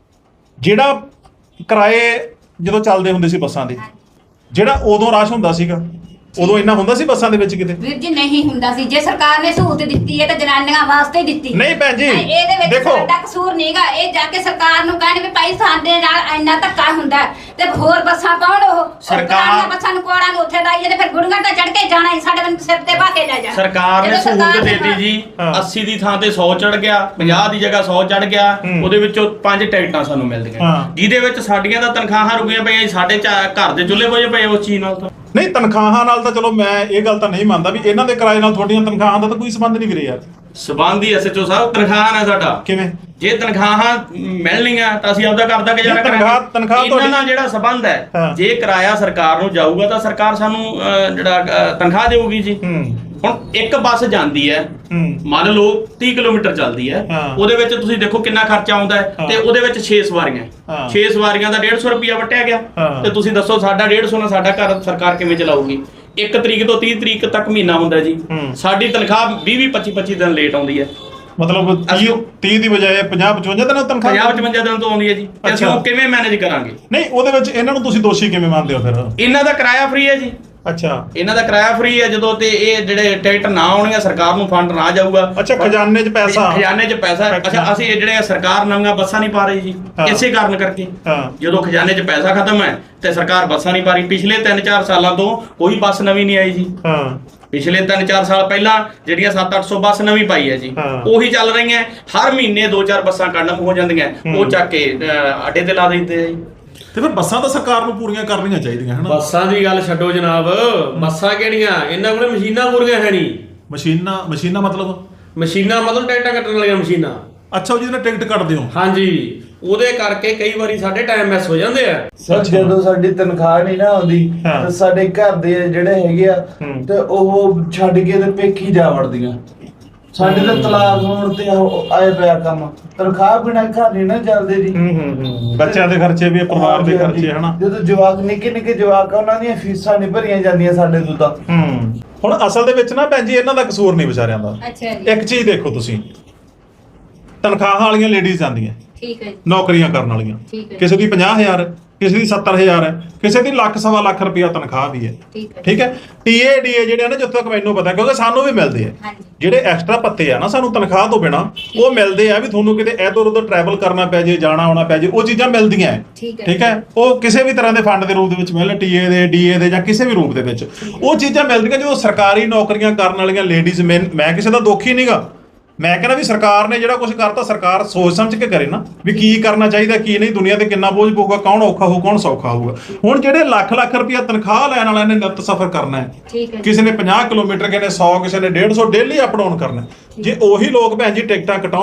Speaker 3: ਜਿਹੜਾ ਕਿਰਾਏ ਜਦੋਂ ਚੱਲਦੇ ਹੁੰਦੇ ਸੀ ਬੱਸਾਂ ਦੇ, ਜਿਹੜਾ ਉਦੋਂ ਰਸ਼ ਹੁੰਦਾ ਸੀਗਾ, ਉਦੋਂ ਇੰਨਾ ਹੁੰਦਾ ਸੀ ਬੱਸਾਂ ਦੇ ਵਿੱਚ ਕਿਤੇ?
Speaker 6: ਵੀਰ ਜੀ ਨਹੀਂ ਹੁੰਦਾ ਸੀ। ਜੇ ਸਰਕਾਰ ਨੇ ਸਹੂਲਤ ਦਿੱਤੀ ਹੈ ਤਾਂ ਜਨਾਨੀਆਂ ਵਾਸਤੇ ਹੀ ਦਿੱਤੀ।
Speaker 3: ਨਹੀਂ ਭੈਣ ਜੀ
Speaker 6: ਇਹਦੇ ਵਿੱਚ
Speaker 3: ਦੇਖੋ
Speaker 6: ਸਾਡਾ ਕਸੂਰ ਨਹੀਂਗਾ। ਇਹ ਜਾ ਕੇ ਸਰਕਾਰ ਨੂੰ ਕਹਿਣ ਵੀ ਭਾਈ ਸਾਡੇ ਨਾਲ ਇੰਨਾ ਧੱਕਾ ਹੁੰਦਾ ਤੇ ਹੋਰ ਬੱਸਾਂ ਪਾਉਣ। ਉਹ ਸਰਕਾਰ ਬੱਸਾਂ ਨੂੰ ਕੋੜਾਂ ਨੂੰ ਉੱਥੇ ਲਾਈਏ ਤੇ ਫਿਰ ਗੁੜੀਆਂ ਤਾਂ ਚੜ ਕੇ ਜਾਣਾ ਹੀ, ਸਾਡੇ ਸਿਰ ਤੇ ਪਾ ਕੇ ਲੈ ਜਾ।
Speaker 4: ਸਰਕਾਰ ਨੇ ਸਹੂਲਤ ਦੇਤੀ ਜੀ, 80 ਦੀ ਥਾਂ ਤੇ 100 ਚੜ ਗਿਆ, 50 ਦੀ ਜਗ੍ਹਾ 100 ਚੜ ਗਿਆ। ਉਹਦੇ ਵਿੱਚੋਂ 5 ਟਿਕਟਾਂ ਸਾਨੂੰ ਮਿਲਦੀਆਂ, ਜਿਹਦੇ ਵਿੱਚ ਸਾਡੀਆਂ ਤਾਂ ਤਨਖਾਹਾਂ ਰੁਕੀਆਂ ਪਈਆਂ। ਸਾਡੇ ਘਰ ਦੇ ਚੁੱਲ੍ਹੇ ਹੋਏ ਪਏ ਉਸ ਚੀਜ਼ ਨਾਲ।
Speaker 3: ਨਹੀਂ ਤਨਖਾਹਾਂ ਨਾਲ ਤਾਂ ਚਲੋ ਮੈਂ ਇਹ ਗੱਲ ਤਾਂ ਨਹੀਂ ਮੰਨਦਾ ਵੀ ਇਹਨਾਂ ਦੇ ਕਿਰਾਏ ਨਾਲ ਤੁਹਾਡੀਆਂ ਤਨਖਾਹਾਂ ਦਾ ਤਾਂ ਕੋਈ ਸੰਬੰਧ ਨਹੀਂ ਵੀਰੇ ਯਾਰ।
Speaker 4: ਸੰਬੰਧ ਹੀ ਐਸਐਚਓ ਸਾਹਿਬ ਤਨਖਾਹਾਂ ਨਾਲ ਸਾਡਾ।
Speaker 3: ਕਿਵੇਂ?
Speaker 4: ਜੇ ਤਨਖਾਹਾਂ ਮਿਲਣੀਆਂ ਤਾਂ ਅਸੀਂ ਆਪਦਾ ਘਰ ਦਾ ਗੁਜ਼ਾਰਾ ਕਰਾਂਗੇ।
Speaker 3: ਤਨਖਾਹ
Speaker 4: ਇਹਨਾਂ ਨਾਲ ਜਿਹੜਾ ਸੰਬੰਧ ਹੈ, ਜੇ ਕਿਰਾਇਆ ਸਰਕਾਰ ਨੂੰ ਜਾਊਗਾ ਤਾਂ ਸਰਕਾਰ ਸਾਨੂੰ ਜਿਹੜਾ ਤਨਖਾਹ ਦੇਊਗੀ ਜੀ। ਹੁਣ ਇੱਕ ਬੱਸ ਜਾਂਦੀ ਹੈ, ਮੰਨ ਲਓ 30 ਕਿਲੋਮੀਟਰ ਚੱਲਦੀ ਹੈ, ਉਹਦੇ ਵਿੱਚ ਤੁਸੀਂ ਦੇਖੋ ਕਿੰਨਾ ਖਰਚਾ ਆਉਂਦਾ ਹੈ, ਤੇ ਉਹਦੇ ਵਿੱਚ 6 ਸਵਾਰੀਆਂ, 6 ਸਵਾਰੀਆਂ ਦਾ 150 ਰੁਪਿਆ ਵਟਿਆ ਗਿਆ। ਤੇ ਤੁਸੀਂ ਦੱਸੋ ਸਾਡਾ 150 ਨਾਲ ਸਾਡਾ ਘਰ ਸਰਕਾਰ ਕਿਵੇਂ ਚਲਾਊਗੀ? 1 ਤਰੀਕ ਤੋਂ 30 ਤਰੀਕ ਤੱਕ ਮਹੀਨਾ ਹੁੰਦਾ ਜੀ, ਸਾਡੀ ਤਨਖਾਹ 20-25 ਦਿਨ ਲੇਟ ਆਉਂਦੀ ਹੈ।
Speaker 3: ਮਤਲਬ 30 ਦੀ ਬਜਾਏ 50-55 ਦਿਨ ਤਨਖਾਹ
Speaker 4: 50-55 ਦਿਨ ਤੋਂ ਆਉਂਦੀ ਹੈ ਜੀ। ਤੇ ਅਸੀਂ ਉਹ ਕਿਵੇਂ ਮੈਨੇਜ ਕਰਾਂਗੇ?
Speaker 3: ਨਹੀਂ ਉਹਦੇ ਵਿੱਚ ਇਹਨਾਂ ਨੂੰ ਤੁਸੀਂ ਦੋਸ਼ੀ ਕਿਵੇਂ ਮੰਨਦੇ ਹੋ ਫਿਰ?
Speaker 4: ਇਹਨਾਂ ਦਾ ਕਿਰਾਇਆ ਫ੍ਰੀ ਹੈ ਜੀ।
Speaker 3: ਅੱਛਾ,
Speaker 4: ਇਹਨਾਂ ਦਾ ਕਿਰਾਇਆ ਫ੍ਰੀ ਹੈ ਜਦੋਂ ਤੇ ਇਹ ਜਿਹੜੇ ਟਿਕਟ ਨਾ ਆਉਣਗੇ, ਸਰਕਾਰ ਨੂੰ ਫੰਡ ਨਾ ਜਾਊਗਾ।
Speaker 3: ਅੱਛਾ, ਖਜ਼ਾਨੇ 'ਚ ਪੈਸਾ।
Speaker 4: ਖਜ਼ਾਨੇ 'ਚ ਪੈਸਾ। ਅੱਛਾ, ਅਸੀਂ ਜਿਹੜੇ ਸਰਕਾਰ ਨਵੀਆਂ ਬੱਸਾਂ ਨਹੀਂ ਪਾ ਰਹੀ ਜੀ, ਇਸੇ ਕਾਰਨ ਕਰਕੇ। ਜਦੋਂ ਖਜ਼ਾਨੇ 'ਚ ਪੈਸਾ ਖਤਮ ਹੈ ਤੇ ਸਰਕਾਰ ਬੱਸਾਂ ਨਹੀਂ ਪਾ ਰਹੀ। ਪਿਛਲੇ 3-4 ਸਾਲਾਂ ਤੋਂ ਕੋਈ ਬੱਸ ਨਵੀਂ ਨਹੀਂ ਆਈ ਜੀ। ਪਿਛਲੇ 3-4 ਸਾਲ ਪਹਿਲਾਂ ਜਿਹੜੀਆਂ 700-800 ਬੱਸ ਨਵੀਂ ਪਾਈ ਹੈ ਜੀ, ਉਹੀ ਚੱਲ ਰਹੀਆਂ। ਹਰ ਮਹੀਨੇ 2-4 ਬੱਸਾਂ ਕੰਡਮ ਹੋ ਜਾਂਦੀਆਂ, ਉਹ ਚੱਕ ਕੇ ਅੱਡੇ ਤੇ ਲਾ ਦਿੰਦੇ ਆ ਜੀ।
Speaker 3: ਤੇ ਫਿਰ ਬੱਸਾਂ ਤਾਂ ਸਰਕਾਰ ਨੂੰ ਪੂਰੀਆਂ ਕਰਨੀਆਂ ਚਾਹੀਦੀਆਂ ਹਨ।
Speaker 11: ਬੱਸਾਂ ਦੀ ਗੱਲ ਛੱਡੋ ਜਨਾਬ, ਬੱਸਾਂ ਕਿਹੜੀਆਂ, ਇਹਨਾਂ ਕੋਲੇ ਮਸ਼ੀਨਾਂ ਪੂਰੀਆਂ ਹੈ ਨਹੀਂ।
Speaker 3: ਮਸ਼ੀਨਾਂ
Speaker 11: ਮਤਲਬ ਟਿਕਟਾਂ ਕੱਟਣ ਵਾਲੀਆਂ ਮਸ਼ੀਨਾਂ।
Speaker 3: ਅੱਛਾ, ਜਿਹਦੇ ਨਾਲ ਟਿਕਟ ਕੱਟਦੇ ਹੋ?
Speaker 11: ਹਾਂਜੀ, ਉਹਦੇ ਕਰਕੇ ਕਈ ਵਾਰੀ ਸਾਡੇ ਟਾਈਮ ਮਿਸ ਹੋ ਜਾਂਦੇ ਆ।
Speaker 8: ਸਰ ਜਦੋਂ ਸਾਡੀ ਤਨਖਾਹ ਨਹੀਂ ਨਾ ਆਉਂਦੀ ਤਾਂ ਸਾਡੇ ਘਰ ਦੇ ਜਿਹੜੇ ਹੈਗੇ ਆ ਤੇ ਉਹ ਛੱਡ ਕੇ ਤੇ ਪੇਖੀ ਜਾ ਵੜਦੀਆਂ। ਸਾਡੇ ਤਾਂ ਤਲਾਕ ਹੋਣ ਤੇ ਆਏ ਪਿਆ ਕੰਮ, ਤਨਖਾਹ ਬਿਨਾਂ ਘਰ ਨਹੀਂ ਨਾ ਚੱਲਦੇ ਜੀ।
Speaker 3: ਬੱਚਿਆਂ ਦੇ ਖਰਚੇ ਵੀ, ਪਰਿਵਾਰ ਦੇ ਖਰਚੇ, ਹਨਾ।
Speaker 8: ਜਦੋਂ ਜਵਾਕ ਨਿੱਕੇ ਜਵਾਕ, ਉਹਨਾਂ ਦੀਆਂ ਫੀਸਾਂ ਨਹੀਂ ਭਰੀਆਂ ਜਾਂਦੀਆਂ ਸਾਡੇ ਤੋਂ ਤਾਂ।
Speaker 3: ਹੁਣ ਅਸਲ ਦੇ ਵਿੱਚ ਨਾ ਭੈਣ ਜੀ ਇਹਨਾਂ ਦਾ ਕਸੂਰ ਨਹੀਂ ਵਿਚਾਰਿਆਂ ਦਾ। ਇੱਕ ਚੀਜ਼ ਦੇਖੋ ਤੁਸੀਂ, ਤਨਖਾਹਾਂ ਵਾਲੀਆਂ ਲੇਡੀਜ਼ ਜਾਂਦੀਆਂ,
Speaker 6: ਠੀਕ ਹੈ,
Speaker 3: ਨੌਕਰੀਆਂ ਕਰਨ ਵਾਲੀਆਂ, ਕਿਸੇ ਦੀ 50,000 ਕਿਸੇ ਦੀ 70,000 ਹੈ, ਕਿਸੇ ਦੀ ਲੱਖ-ਸਵਾ ਲੱਖ ਰੁਪਇਆ ਤਨਖਾਹ ਵੀ ਹੈ। ਠੀਕ ਹੈ। TADA ਜਿਹੜੇ ਆ ਨਾ, ਜਿੱਥੋਂ ਤੱਕ ਮੈਨੂੰ ਪਤਾ, ਕਿਉਂਕਿ ਸਾਨੂੰ ਵੀ ਮਿਲਦੇ ਆ ਜਿਹੜੇ ਐਕਸਟਰਾ ਪੱਤੇ ਆ ਨਾ ਸਾਨੂੰ ਤਨਖਾਹ ਤੋਂ ਬਿਨਾ, ਉਹ ਮਿਲਦੇ ਆ ਵੀ ਤੁਹਾਨੂੰ ਕਿਤੇ ਇੱਧਰ ਉੱਧਰ ਟਰੈਵਲ ਕਰਨਾ ਪੈ ਜੇ, ਜਾਣਾ ਆਉਣਾ ਪੈ ਜੇ, ਉਹ ਚੀਜ਼ਾਂ ਮਿਲਦੀਆਂ। ਠੀਕ ਹੈ। ਉਹ ਕਿਸੇ ਵੀ ਤਰ੍ਹਾਂ ਦੇ ਫੰਡ ਦੇ ਰੂਪ ਦੇ ਵਿੱਚ ਮਿਲਣ, TA ਦੇ, DA ਦੇ ਜਾਂ ਕਿਸੇ ਵੀ ਰੂਪ ਦੇ ਵਿੱਚ ਉਹ ਚੀਜ਼ਾਂ ਮਿਲਦੀਆਂ। ਜਦੋਂ ਸਰਕਾਰੀ ਨੌਕਰੀਆਂ ਕਰਨ ਵਾਲੀਆਂ ਲੇਡੀਜ਼, ਮੈਂ ਕਿਸੇ ਦਾ ਦੁੱਖ ਹੀ ਨਹੀਂਗਾ। ਮੈਂ ਕਹਿੰਦਾ ਵੀ ਸਰਕਾਰ ਨੇ ਜਿਹੜਾ ਕੁਝ ਕਰਤਾ, ਸਰਕਾਰ ਸੋਚ ਸਮਝ ਕੇ ਕਰੇ ਨਾ ਵੀ ਕੀ ਕਰਨਾ ਚਾਹੀਦਾ ਕੀ ਨਹੀਂ। ਦੁਨੀਆ ਤੇ ਕਿੰਨਾ ਬੋਝ ਪਊਗਾ, ਕੌਣ ਔਖਾ ਹੋਊ ਕੌਣ ਸੌਖਾ ਹੋਊਗਾ। ਹੁਣ ਜਿਹੜੇ ਲੱਖ ਰੁਪਇਆ ਤਨਖਾਹ ਲੈਣ ਵਾਲਿਆਂ ਨੇ ਨਿੱਤ ਸਫ਼ਰ ਕਰਨਾ ਹੈ, ਕਿਸੇ ਨੇ 50 ਕਿਲੋਮੀਟਰ, ਕਿਸੇ ਨੇ 100, ਕਿਸੇ ਨੇ 150 ਡੇਲੀ ਅਪ ਡਾਊਨ ਕਰਨਾ। ਜੇ ਉਹੀ ਲੋਕ ਭੈਣ ਜੀ ਟਿਕਟਾਂ ਕਟਾਉਣ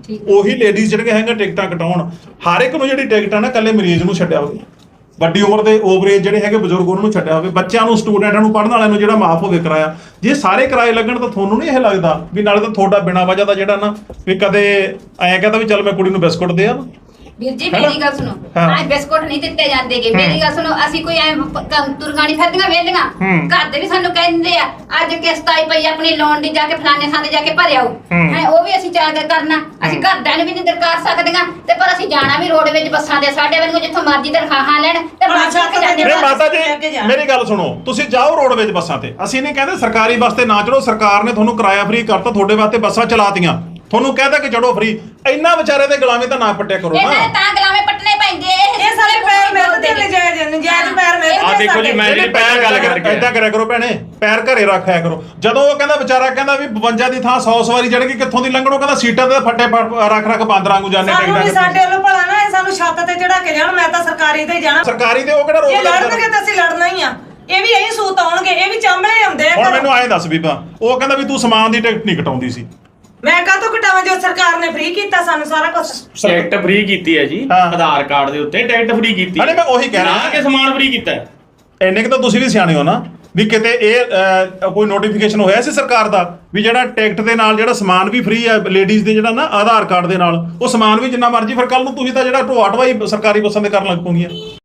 Speaker 3: ਉਹੀ ਲੇਡੀਜ਼ ਜਿਹੜੀਆਂ ਹੈਗੀਆਂ ਟਿਕਟਾਂ ਕਟਾਉਣ। ਹਰ ਇੱਕ ਨੂੰ ਜਿਹੜੀ ਟਿਕਟ ਆ ਨਾ ਇਕੱਲੇ ਮਰੀਜ਼ ਨੂੰ ਛੱਡਿਆ ਹੋਵੇ, ਵੱਡੀ ਉਮਰ ਦੇ ਓਵਰੇਜ ਜਿਹੜੇ ਹੈਗੇ ਬਜ਼ੁਰਗ ਉਹਨਾਂ ਨੂੰ ਛੱਡਿਆ ਹੋਵੇ, ਬੱਚਿਆਂ ਨੂੰ ਸਟੂਡੈਂਟਾਂ ਨੂੰ ਪੜ੍ਹਨ ਵਾਲਿਆਂ ਨੂੰ ਜਿਹੜਾ ਮਾਫ ਹੋਵੇ ਕਿਰਾਇਆ। ਜੇ ਸਾਰੇ ਕਿਰਾਏ ਲੱਗਣ ਤਾਂ ਤੁਹਾਨੂੰ ਨਹੀਂ ਇਹ ਲੱਗਦਾ ਵੀ ਨਾਲੇ ਤਾਂ ਤੁਹਾਡਾ ਬਿਨਾਂ ਵਜ੍ਹਾ ਦਾ ਜਿਹੜਾ ਨਾ ਵੀ ਕਦੇ ਐਂ ਕਹਿੰਦਾ ਵੀ ਚੱਲ ਮੈਂ ਕੁੜੀ ਨੂੰ ਬਿਸਕੁਟ ਦੇ ਆ।
Speaker 6: ਵੀਰ ਜੀ ਮੇਰੀ ਗੱਲ ਸੁਣੋ, ਆਹ ਬਿਸਕੁਟ ਨਹੀਂ ਦਿੱਤੇ ਜਾਂਦੇਗੇ। ਮੇਰੀ ਗੱਲ ਸੁਣੋ, ਅਸੀਂ ਕੋਈ ਐ ਤੁਰਗਾਣੀ ਫਿਰਦੀਆਂ ਵੇਲੀਆਂ, ਘਰ ਦੇ ਵੀ ਸਾਨੂੰ ਕਹਿੰਦੇ ਆ ਅੱਜ ਕਿਸ਼ਤ ਆਈ ਪਈ ਆਪਣੀ ਲੋਨ ਦੀ, ਜਾ ਕੇ ਫਲਾਣੇ ਥਾਂ ਤੇ ਜਾ ਕੇ ਭਰਿਆਓ ਹੈ, ਉਹ ਵੀ ਅਸੀਂ ਜਾ ਕੇ ਕਰਨਾ। ਅਸੀਂ ਘਰਦਿਆਂ ਨੂੰ ਵੀ ਨਹੀਂ ਦਰਕਾਰ ਸਕਦੀਆਂ ਤੇ ਪਰ ਅਸੀਂ ਜਾਣਾ ਵੀ ਰੋਡ ਵਿੱਚ ਬੱਸਾਂ ਦੇ, ਸਾਡੇ ਵਾਂਗੂ ਜਿੱਥੋਂ ਮਰਜ਼ੀ ਤਨਖਾਹਾਂ ਲੈਣ ਤੇ ਬੱਸ ਚੱਕ ਜਾਂਦੇ।
Speaker 3: ਮਾਤਾ ਜੀ ਮੇਰੀ ਗੱਲ ਸੁਣੋ, ਤੁਸੀਂ ਜਾਓ ਰੋਡ ਵਿੱਚ ਬੱਸਾਂ ਤੇ, ਅਸੀਂ ਨਹੀਂ ਕਹਿੰਦੇ ਸਰਕਾਰੀ ਬੱਸ ਤੇ ਨਾ ਚੜੋ, ਸਰਕਾਰ ਨੇ ਤੁਹਾਨੂੰ ਕਿਰਾਇਆ ਫ੍ਰੀ ਕਰਤਾ, ਤੁਹਾਡੇ ਵਾਸਤੇ ਬੱਸਾਂ ਚਲਾਤੀਆਂ, ਤੁਹਾਨੂੰ ਕਹਿਦਾ ਕਿ ਚੜੋ ਫ੍ਰੀ। ਇੰਨਾ ਵਿਚਾਰੇ ਦੇ ਗੁਲਾਮੀ ਤਾਂ ਨਾ ਪੱਟਿਆ ਕਰੋ ਨਾ।
Speaker 6: ਇਹਨਾਂ ਤਾਂ ਗੁਲਾਮੇ ਪੱਟਣੇ ਪੈਂਦੇ,
Speaker 5: ਇਹ ਸਾਰੇ ਪੈਰ ਮਿਲਦੇ ਨੇ, ਨਜਾਇਜ਼ ਪੈਰ ਮਿਲਦੇ।
Speaker 4: ਆ ਦੇਖੋ ਜੀ, ਮੈਂ ਜਿਹੜੀ ਪਹਿਲਾਂ ਗੱਲ ਕਰਕੇ
Speaker 3: ਏਦਾਂ ਕਰਿਆ ਕਰੋ ਭੈਣੇ, ਪੈਰ ਘਰੇ ਰੱਖਿਆ ਕਰੋ। ਜਦੋਂ ਉਹ ਕਹਿੰਦਾ ਵਿਚਾਰਾ ਕਹਿੰਦਾ ਵੀ 52 ਦੀ ਥਾਂ 100 ਸਵਾਰੀ ਚੜ੍ਹਗੀ, ਕਿੱਥੋਂ ਦੀ ਲੰਘਣੋ, ਕਹਿੰਦਾ ਸੀਟਾਂ ਤੇ ਫੱਟੇ ਰੱਖ ਬਾਂਦਰਾਂ ਨੂੰ ਜਾਣੇ
Speaker 5: ਸਾਨੂੰ ਵੀ ਸਾਡੇ ਵੱਲੋਂ ਭਲਾ ਨਾ, ਇਹ ਸਾਨੂੰ ਛੱਤ ਤੇ ਚੜਾ ਕੇ ਜਾਣ। ਮੈਂ ਤਾਂ ਸਰਕਾਰੀ ਤੇ ਜਾਣਾ,
Speaker 3: ਸਰਕਾਰੀ ਤੇ ਉਹ ਕਿਹੜਾ
Speaker 5: ਜੇ
Speaker 3: ਰੋਕ
Speaker 5: ਲੜਨਗੇ ਤਾਂ ਅਸੀਂ ਲੜਨਾ ਹੀ ਆ। ਇਹ ਵੀ ਇਹੀ ਸੂਤ ਆਉਣਗੇ, ਇਹ ਵੀ ਚਾਂਬਲੇ ਆਉਂਦੇ ਆ।
Speaker 3: ਹੁਣ ਮੈਨੂੰ ਐਂ ਦੱਸ ਬੀਬਾ, ਉਹ ਕਹਿੰਦਾ ਵੀ ਤੂੰ ਸਮਾਨ ਦੀ ਟਿਕਟ ਨਹੀਂ ਕਟਾਉਂਦੀ ਸੀ।
Speaker 5: ਮੈਂ ਕਾਹਤੋਂ ਕਟਾਵਾਂ ਜੋ ਸਰਕਾਰ ਨੇ ਫ੍ਰੀ ਕੀਤਾ ਸਾਨੂੰ ਸਾਰਾ ਕੁਝ।
Speaker 4: ਟਿਕਟ ਫ੍ਰੀ ਕੀਤੀ ਹੈ ਜੀ, ਆਧਾਰ ਕਾਰਡ ਦੇ ਉੱਤੇ ਟਿਕਟ ਫ੍ਰੀ ਕੀਤੀ।
Speaker 3: ਅਰੇ ਮੈਂ ਉਹੀ ਕਹਿ ਰਿਹਾ
Speaker 4: ਕਿ ਸਮਾਨ ਫ੍ਰੀ ਕੀਤਾ।
Speaker 3: ਇੰਨੇ ਕਿ ਤਾਂ ਤੁਸੀਂ ਵੀ ਸਿਆਣੇ ਹੋ ਨਾ ਵੀ ਕਿਤੇ ਇਹ ਕੋਈ ਨੋਟੀਫਿਕੇਸ਼ਨ ਹੋਇਆ ਸੀ ਸਰਕਾਰ ਦਾ ਵੀ ਜਿਹੜਾ ਟਿਕਟ ਦੇ ਨਾਲ ਜਿਹੜਾ ਸਮਾਨ ਵੀ ਫ੍ਰੀ ਹੈ ਲੇਡੀਜ਼ ਦੇ, ਜਿਹੜਾ ਨਾ ਆਧਾਰ ਕਾਰਡ ਦੇ ਨਾਲ ਉਹ ਸਮਾਨ ਵੀ ਜਿੰਨਾ ਮਰਜ਼ੀ, ਫਿਰ ਕੱਲ ਨੂੰ ਤੁਸੀਂ ਤਾਂ ਜਿਹੜਾ ਢੋਆ ਢਵਾਈ ਸਰਕਾਰੀ ਬੱਸਾਂ ਦੇ ਕਰਨ ਲੱਗ ਪੋਗੀਆਂ।